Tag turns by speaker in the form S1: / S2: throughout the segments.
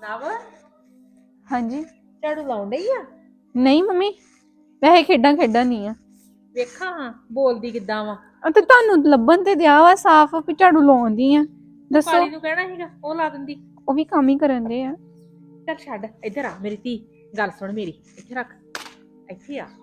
S1: ਨਵ
S2: ਹਾਂਜੀ।
S1: ਝਾੜੂ ਲਾਉਣ ਡਈ ਆ?
S2: ਨਹੀਂ ਮੰਮੀ, ਵੈਸੇ ਖੇਡਾਂ ਖੇਡਾਂ ਨਹੀਂ ਆ।
S1: ਵੇਖਾਂ ਹਾਂ ਬੋਲਦੀ ਕਿੱਦਾਂ ਵਾ।
S2: ਤੇ ਤੁਹਾਨੂੰ ਲੱਭਣ ਤੇ ਦਿਆ ਵਾ ਸਾਫ਼ ਵੀ ਝਾੜੂ ਲਾਉਂਦੀ ਆ।
S1: ਤੂੰ
S2: ਦੱਸੋ।
S1: ਕਾਲੀ ਨੂੰ ਕਹਿਣਾ ਸੀਗਾ ਉਹ ਲਾ ਦਿੰਦੀ।
S2: ਉਹ ਵੀ ਕੰਮ ਹੀ ਕਰਨ ਦੇ ਆ।
S1: ਚੱਲ ਛੱਡ, ਇੱਧਰ ਆ ਮੇਰੀ ਧੀ, ਗੱਲ ਸੁਣ ਮੇਰੀ, ਇੱਥੇ ਰੱਖ, ਇੱਥੇ ਆ।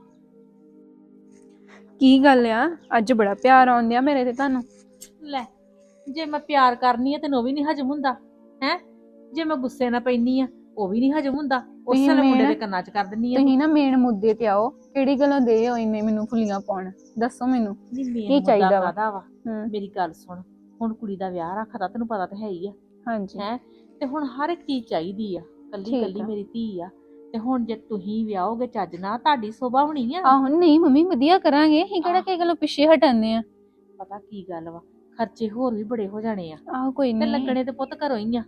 S2: ਕੀ ਗੱਲ ਆ, ਅੱਜ ਬੜਾ ਪਿਆਰ ਆਉਂਦਿਆ ਮੇਰੇ ਤੇ ਤੁਹਾਨੂੰ।
S1: ਲੈ, ਜੇ ਮੈਂ ਪਿਆਰ ਕਰਨੀ ਆ ਤੈਨੂੰ ਉਹ ਵੀ ਨਹੀਂ ਹਜਮ ਹੁੰਦਾ ਹੈ। ਜੇ ਮੈਂ ਗੁੱਸੇ ਨਾਲ ਪੈਣੀ ਆ ਉਹ ਵੀ ਨਹੀਂ ਹਜਮ ਹੁੰਦਾ। ਉਸ
S2: ਤੁਸੀਂ
S1: ਵੇਲੇ ਮੁੰਡੇ
S2: ਮੇਨ
S1: ਦੇ ਕੰਨਾਂ 'ਚ ਕਰ ਦਿੰਨੀ ਆ ਤੂੰ।
S2: ਤੁਸੀਂ ਨਾ ਮੇਨ ਮੁੱਦੇ ਤੇ ਆਓ। ਕਿਹੜੀ ਗੱਲੋਂ ਦੇ ਹੋ ਇੰਨੇ ਮੈਨੂੰ ਫੁੱਲੀਆਂ ਪਾਉਣ? ਦੱਸੋ ਮੈਨੂੰ
S1: ਨਹੀਂ ਮੇਨ
S2: ਕੀ
S1: ਮੁੱਦਾ
S2: ਚਾਹੀਦਾ ਵਾ।
S1: ਕਾਹਦਾ ਵਾ?
S2: ਹੂੰ।
S1: ਮੇਰੀ ਗੱਲ ਸੁਣ, ਹੁਣ ਕੁੜੀ ਦਾ ਵਿਆਹ ਰੱਖਦਾ ਤੈਨੂੰ ਪਤਾ ਤਾਂ ਹੈ ਹੀ ਆ।
S2: ਹਾਂਜੀ
S1: ਹੈ ਤੇ ਹੁਣ ਹਰ ਇੱਕ ਚੀਜ਼ ਚਾਹੀਦੀ ਆ। ਕੱਲੀ
S2: ਠੀਕ
S1: ਕੱਲੀ
S2: ਆ।
S1: ਮੇਰੀ ਧੀ ਆ ਤੇ ਹੁਣ ਜੇ ਤੁਸੀਂ ਵਿਆਹੋਗੇ ਚੱਜ ਨਾਲ ਤੁਹਾਡੀ ਸੋਭਾ ਹੋਣੀ ਆ।
S2: ਆਹੋ ਨਹੀਂ ਮੰਮੀ, ਵਧੀਆ ਕਰਾਂਗੇ। ਅਸੀਂ ਕਿਹੜਾ ਕਿਸੇ ਗੱਲੋਂ ਪਿੱਛੇ ਹਟਾਂਦੇ ਆ।
S1: ਪਤਾ ਕੀ ਗੱਲ ਵਾ, ਖਰਚੇ ਹੋਰ ਵੀ ਬੜੇ ਹੋ ਜਾਣੇ ਆ
S2: ਆਹੋ ਕੋਈ
S1: ਤੇ
S2: ਨਹੀਂ।
S1: ਲੱਗਣੇ ਤੇ ਪੁੱਤ ਘਰੋਂ ਹੀ ਆ।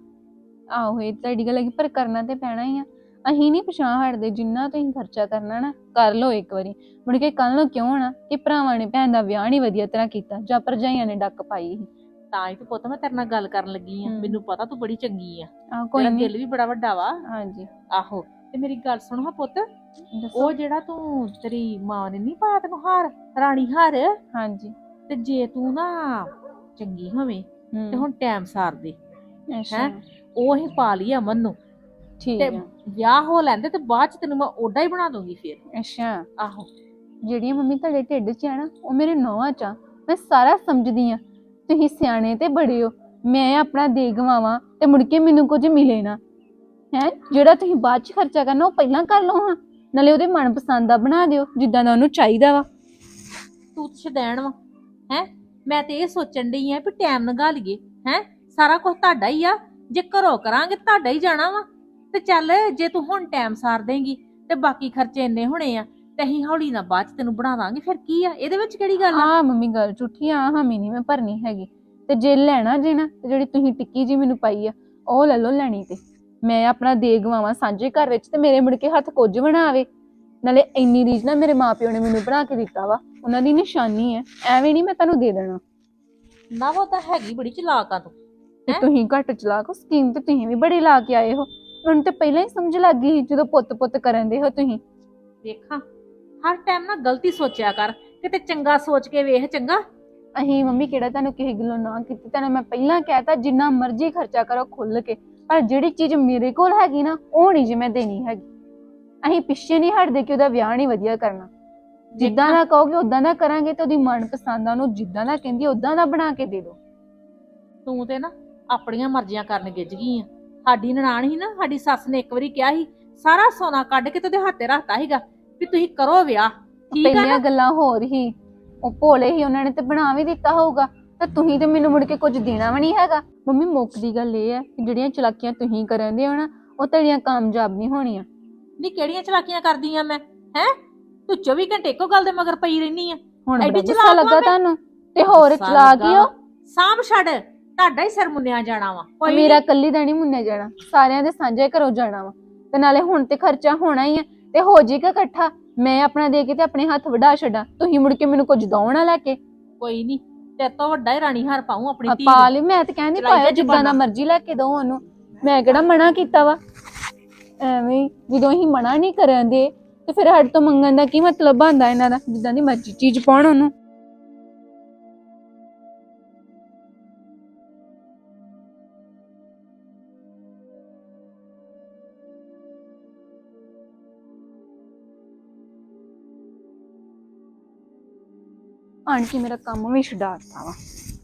S2: ਆਹੋ ਇਹ ਤੁਹਾਡੀ ਗੱਲ ਹੈਗੀ, ਪਰ ਕਰਨਾ ਤੇ ਪੈਣਾ ਹੀ ਆ। ਅਸੀਂ ਨਹੀਂ ਪਛਾਣ ਹਟਦੇ। ਜਿੰਨਾ ਤੁਸੀਂ ਖਰਚਾ ਕਰਨਾ ਨਾ ਕਰ ਲਓ ਇੱਕ ਵਾਰੀ, ਮੁੜ ਕੇ ਕੱਲ ਨੂੰ ਕਿਉਂ ਹੋਣਾ ਕਿ ਭਰਾਵਾਂ ਨੇ ਭੈਣ ਦਾ ਵਿਆਹ ਨਹੀਂ ਵਧੀਆ ਤਰ੍ਹਾਂ ਕੀਤਾ ਜਾਂ ਭਰਜਾਈਆਂ ਨੇ ਡੱਕ ਪਾਈ ਸੀ।
S1: ਤਾਂ ਹੀ ਤੇ ਪੁੱਤ ਮੈਂ ਤੇਰੇ ਨਾਲ ਗੱਲ ਕਰਨ ਲੱਗੀ ਆ। ਮੈਨੂੰ ਪਤਾ ਤੂੰ ਬੜੀ ਚੰਗੀ ਆ,
S2: ਆਹ ਕੋਈ
S1: ਤੇਰਾ
S2: ਨਹੀਂ।
S1: ਦਿਲ ਵੀ ਬੜਾ ਵੱਡਾ ਵਾ।
S2: ਹਾਂਜੀ
S1: ਆਹੋ ਤੇ ਮੇਰੀ ਗੱਲ ਸੁਣ ਹਾਂ ਪੁੱਤ,
S2: ਦੱਸੋ।
S1: ਉਹ ਜਿਹੜਾ ਤੂੰ ਤੇਰੀ ਮਾਂ ਨੇ ਨਹੀਂ ਪਾਇਆ ਤੈਨੂੰ ਹਾਰ, ਰਾਣੀ ਹਾਰ,
S2: ਹਾਂਜੀ
S1: ਤੇ ਜੇ ਤੂੰ ਨਾ ਚੰਗੀ ਹੋਵੇਂ ਤੇ ਹੁਣ ਟਾਈਮ ਸਾਰ ਦੇ
S2: ਅੱਛਾ
S1: ਹੈ। ਉਹ ਹੀ ਪਾ ਲਈ ਅਮਨ ਨੂੰ
S2: ਠੀਕ
S1: ਤੇ
S2: ਆ।
S1: ਵਿਆਹ ਹੋ ਲੈਂਦੇ ਤੇ ਬਾਅਦ ਚ ਤੈਨੂੰ ਮੈਂ ਓਡਾ ਹੀ ਬਣਾ ਦੂੰਗੀ ਫਿਰ।
S2: ਅੱਛਾ
S1: ਆਹੋ
S2: ਜਿਹੜੀਆਂ ਮੰਮੀ ਤੁਹਾਡੇ ਢਿੱਡ 'ਚ ਆ ਨਾ ਉਹ ਮੇਰੇ ਨੌਵਾਂ 'ਚ ਆ। ਮੈਂ ਸਾਰਾ ਸਮਝਦੀ ਆ। ਤੁਸੀਂ ਸਿਆਣੇ ਤੇ ਬੜੇ ਹੋ। ਮੈਂ ਆਪਣਾ ਦੇ ਗਵਾਵਾਂ ਤੇ ਮੁੜ ਕੇ ਮੈਨੂੰ ਕੁਝ ਮਿਲੇ ਨਾ ਹੈ। ਜਿਹੜਾ ਤੁਸੀਂ ਬਾਅਦ 'ਚ ਖਰਚਾ ਕਰਨਾ ਉਹ ਪਹਿਲਾਂ ਕਰ ਲਓ ਹਾਂ। ਨਾਲੇ ਉਹਦੇ ਮਨਪਸੰਦ ਦਾ ਬਣਾ ਦਿਓ ਜਿੱਦਾਂ ਦਾ ਉਹਨੂੰ ਚਾਹੀਦਾ ਵਾ।
S1: ਤੂੰ ਛਦੈਣ ਵਾ ਹੈ। ਮੈਂ ਤੇ ਇਹ ਸੋਚਣ ਡਈ ਆ ਵੀ ਟਾਈਮ ਲੰਘਾ ਲਈਏ ਹੈ। ਸਾਰਾ ਕੁਝ ਤੁਹਾਡਾ ਹੀ ਆ, ਜੇ ਘਰੋਂ ਕਰਾਂਗੇ ਤੁਹਾਡਾ ਹੀ ਜਾਣਾ ਵਾ। ਤੇ ਚੱਲ ਜੇ ਤੂੰ ਹੁਣ ਟਾਈਮ ਸਾਰ ਦੇਂਗੀ ਤੇ ਬਾਕੀ ਖਰਚੇ ਇੰਨੇ ਹੋਣੇ ਆ ਤੇ ਅਸੀਂ ਹੌਲੀ ਨਾਲ ਬਾਅਦ ਚ ਤੈਨੂੰ ਬਣਾ ਦਾਂਗੇ। ਫਿਰ ਕੀ ਆ ਇਹਦੇ ਵਿੱਚ, ਕਿਹੜੀ ਗੱਲ ਆ?
S2: ਆ ਮੰਮੀ ਗੱਲ ਝੂਠੀ ਆ, ਹਾਮੀ ਨਹੀਂ ਮੈਂ ਭਰਨੀ ਹੈਗੀ। ਤੇ ਜੇ ਲੈਣਾ ਜੇ ਨਾ ਤੇ ਜਿਹੜੀ ਤੁਸੀਂ ਟਿੱਕੀ ਜੀ ਮੈਨੂੰ ਪਾਈ ਆ ਉਹ ਲੈ ਲਓ ਲੈਣੀ ਤੇ। ਮੈਂ ਆਪਣਾ ਦੇ ਗਵਾਵਾਂ ਸਾਂਝੇ ਘਰ ਵਿੱਚ ਤੇ ਮੇਰੇ ਮੁੜ ਕੇ ਹੱਥ ਕੁਝ ਬਣਾਵੇ। ਨਾਲੇ ਇੰਨੀ ਰੀਝ ਨਾ ਮੇਰੇ ਮਾਪਿਓ ਨੇ ਮੈਨੂੰ ਬਣਾ ਕੇ ਦਿੱਤਾ ਵਾ, ਉਹਨਾਂ ਦੀ ਨਿਸ਼ਾਨੀ ਹੈ। ਐਵੇਂ ਨਹੀਂ ਮੈਂ ਤੁਹਾਨੂੰ ਦੇ ਦੇਣਾ।
S1: ਨਾ ਉਹ ਤਾਂ ਹੈਗੀ ਬੜੀ ਚਲਾਕ ਆ ਤੂੰ
S2: ਤੇ
S1: ਹੈ।
S2: ਤੁਸੀਂ ਘੱਟ ਚਲਾਕ, ਸਕੀਮ ਤੇ ਤੁਸੀਂ ਵੀ ਬੜੀ ਲਾ ਕੇ ਆਏ ਹੋ। ਮੈਨੂੰ ਤੇ ਪਹਿਲਾਂ ਹੀ ਸਮਝ ਲੱਗ ਗਈ ਸੀ ਜਦੋਂ ਪੁੱਤ ਪੁੱਤ ਕਰਨ ਦੇ ਹੋ ਤੁਸੀਂ।
S1: ਵੇਖਾਂ ਹਰ ਟਾਈਮ ਨਾ ਗਲਤੀ ਸੋਚਿਆ ਕਰ, ਕਿਤੇ ਚੰਗਾ ਸੋਚ ਕੇ ਵੇਖ। ਚੰਗਾ
S2: ਅਹੀਂ ਮੰਮੀ ਕਿਹੜਾ ਤੁਹਾਨੂੰ ਕਿਸੇ ਗੱਲੋਂ ਨਾ ਕੀਤੀ। ਤੁਹਾਨੂੰ ਮੈਂ ਪਹਿਲਾਂ ਕਹਿਤਾ ਜਿੰਨਾ ਮਰਜ਼ੀ ਖਰਚਾ ਕਰੋ ਖੁੱਲ ਕੇ, ਪਰ ਜਿਹੜੀ ਚੀਜ਼ ਮੇਰੇ ਕੋਲ ਹੈਗੀ ਨਾ ਉਹ ਨਹੀਂ ਜੇ ਮੈਂ ਦੇਣੀ ਹੈਗੀ। ਅਸੀਂ ਪਿੱਛੇ ਨਹੀਂ ਹਟਦੇ ਕਿ ਉਹਦਾ ਵਿਆਹ ਨਹੀਂ ਵਧੀਆ ਕਰਨਾ। ਜਿੱਦਾਂ ਦਾ ਕਹੋਗੇ ਉਦਾਂ ਦਾ ਕਰਾਂਗੇ ਤੇ ਉਹਦੀ ਮਨਪਸੰਦ ਆ ਉਹਨੂੰ ਜਿੱਦਾਂ ਦਾ ਕਹਿੰਦੀ ਉਦਾਂ ਦਾ ਬਣਾ ਕੇ ਦੇ ਦਿਓ।
S1: ਤੂੰ ਤੇ ਨਾ ਆਪਣੀਆਂ ਮਰਜ਼ੀਆਂ ਕਰਨ ਗਿੱਝ ਗਈ ਆ। ਸਾਡੀ ਨਨਾਣ ਸੀ ਨਾ, ਸਾਡੀ ਸੱਸ ਨੇ ਇੱਕ ਵਾਰੀ ਕਿਹਾ ਸੀ ਸਾਰਾ ਸੋਨਾ ਕੱਢ ਕੇ ਤੇ ਉਹਦੇ ਹੱਥੇ ਰੱਖਤਾ ਸੀਗਾ ਵੀ ਤੁਸੀਂ ਕਰੋ ਵਿਆਹ। ਠੀਕ ਆ
S2: ਪਹਿਲੀਆਂ
S1: ਨਾ?
S2: ਗੱਲਾਂ ਹੋਰ ਹੀ, ਉਹ ਭੋਲੇ ਹੀ, ਉਹਨਾਂ ਨੇ ਤੇ ਬਣਾ ਵੀ ਦਿੱਤਾ ਹੋਊਗਾ। ਤੇ ਤੁਸੀਂ ਤੇ ਮੈਨੂੰ ਮੁੜ ਕੇ ਕੁਝ ਦੇਣਾ ਵੀ ਨਹੀਂ ਹੈਗਾ। ਮੰਮੀ ਮੁੱਕ ਦੀ ਗੱਲ ਇਹ ਹੈ ਕਿ ਜਿਹੜੀਆਂ ਚਲਾਕੀਆਂ ਤੁਸੀਂ ਕਰਨ ਦੇ ਹੋ ਨਾ ਉਹ ਤੁਹਾਡੀਆਂ ਕਾਮਯਾਬ ਨਹੀਂ ਹੋਣੀਆਂ।
S1: ਨਹੀਂ ਕਿਹੜੀਆਂ ਚਲਾਕੀਆਂ ਕਰਦੀ ਆ ਮੈਂ ਹੈ? ਤੂੰ 24 ਘੰਟੇ ਇੱਕੋ ਗੱਲ ਦੇ ਮਗਰ ਪਈ ਰਹਿਨੀ ਆ।
S2: ਹੁਣ
S1: ਐਡੀ
S2: ਬੜਾ ਗੁੱਸਾ
S1: ਚਲਾਕ
S2: ਲੱਗਾ
S1: ਵਾਂ ਮੈਂ?
S2: ਤੁਹਾਨੂੰ ਤੇ ਹੋਰ
S1: ਗੁੱਸਾ
S2: ਚਲਾ
S1: ਲੱਗਾ
S2: ਕੀ ਹੋ।
S1: ਵਾ। ਸਾਂਭ ਛੱਡ, ਤੁਹਾਡਾ ਹੀ ਸਿਰ ਮੁੰਨਿਆ ਜਾਣਾ ਵਾ। ਕੋਈ
S2: ਮੇਰਾ
S1: ਨੀ।
S2: ਕੱਲੀ ਦਾ ਨਹੀਂ ਮੁੰਨਿਆ ਜਾਣਾ, ਸਾਰਿਆਂ ਦੇ ਸਾਂਝੇ ਘਰੋਂ ਜਾਣਾ ਵਾ। ਤੇ ਨਾਲੇ ਹੁਣ ਤੇ ਖਰਚਾ ਹੋਣਾ ਹੀ ਹੈ ਤੇ ਹੋ ਜਾਏਗਾ ਇਕੱਠਾ। ਮੈਂ ਆਪਣਾ ਦੇ ਕੇ ਤੇ ਆਪਣੇ ਹੱਥ ਵਢਾ ਛੱਡਾਂ, ਤੁਸੀਂ ਮੁੜ ਕੇ ਮੈਨੂੰ ਕੁਝ ਦੋ ਨਾ ਲੈ ਕੇ।
S1: ਕੋਈ ਨਹੀਂ, ਤੇਰੇ ਤੋਂ ਵੱਡਾ ਹੀ ਰਾਣੀ ਹਾਰ ਪਾਉਂ ਆਪਣੀ ਧੀ
S2: ਪਾ
S1: ਨੂੰ।
S2: ਲਈ, ਮੈਂ ਤੇ ਕਹਿੰਦੀ
S1: ਚਲਾਈ
S2: ਪਾਇਆ
S1: ਜਾ
S2: ਜਿੱਦਾਂ ਦਾ
S1: ਜ਼ੁਬਾਨਾਂ।
S2: ਮਰਜ਼ੀ ਲੈ ਕੇ ਦੋ ਉਹਨੂੰ। ਮੈਂ ਕਿਹੜਾ ਮਨਾ ਕੀਤਾ ਵਾ। ਐਵੇਂ ਹੀ ਜਦੋਂ ਅਸੀਂ ਮਨਾ ਨਹੀਂ ਕਰਨ ਦੇ ਤੇ ਫਿਰ ਸਾਡੇ ਤੋਂ ਮੰਗਣ ਦਾ ਕੀ ਮਤਲਬ ਬਣਦਾ ਇਹਨਾਂ ਦਾ? ਜਿੱਦਾਂ ਦੀ ਮਰਜ਼ੀ ਚੀਜ਼ ਪਾਉਣ ਉਹਨੂੰ। ਆਣ ਕੇ ਮੇਰਾ ਕੰਮ ਵੀ ਛਡਾਤਾ ਵਾ।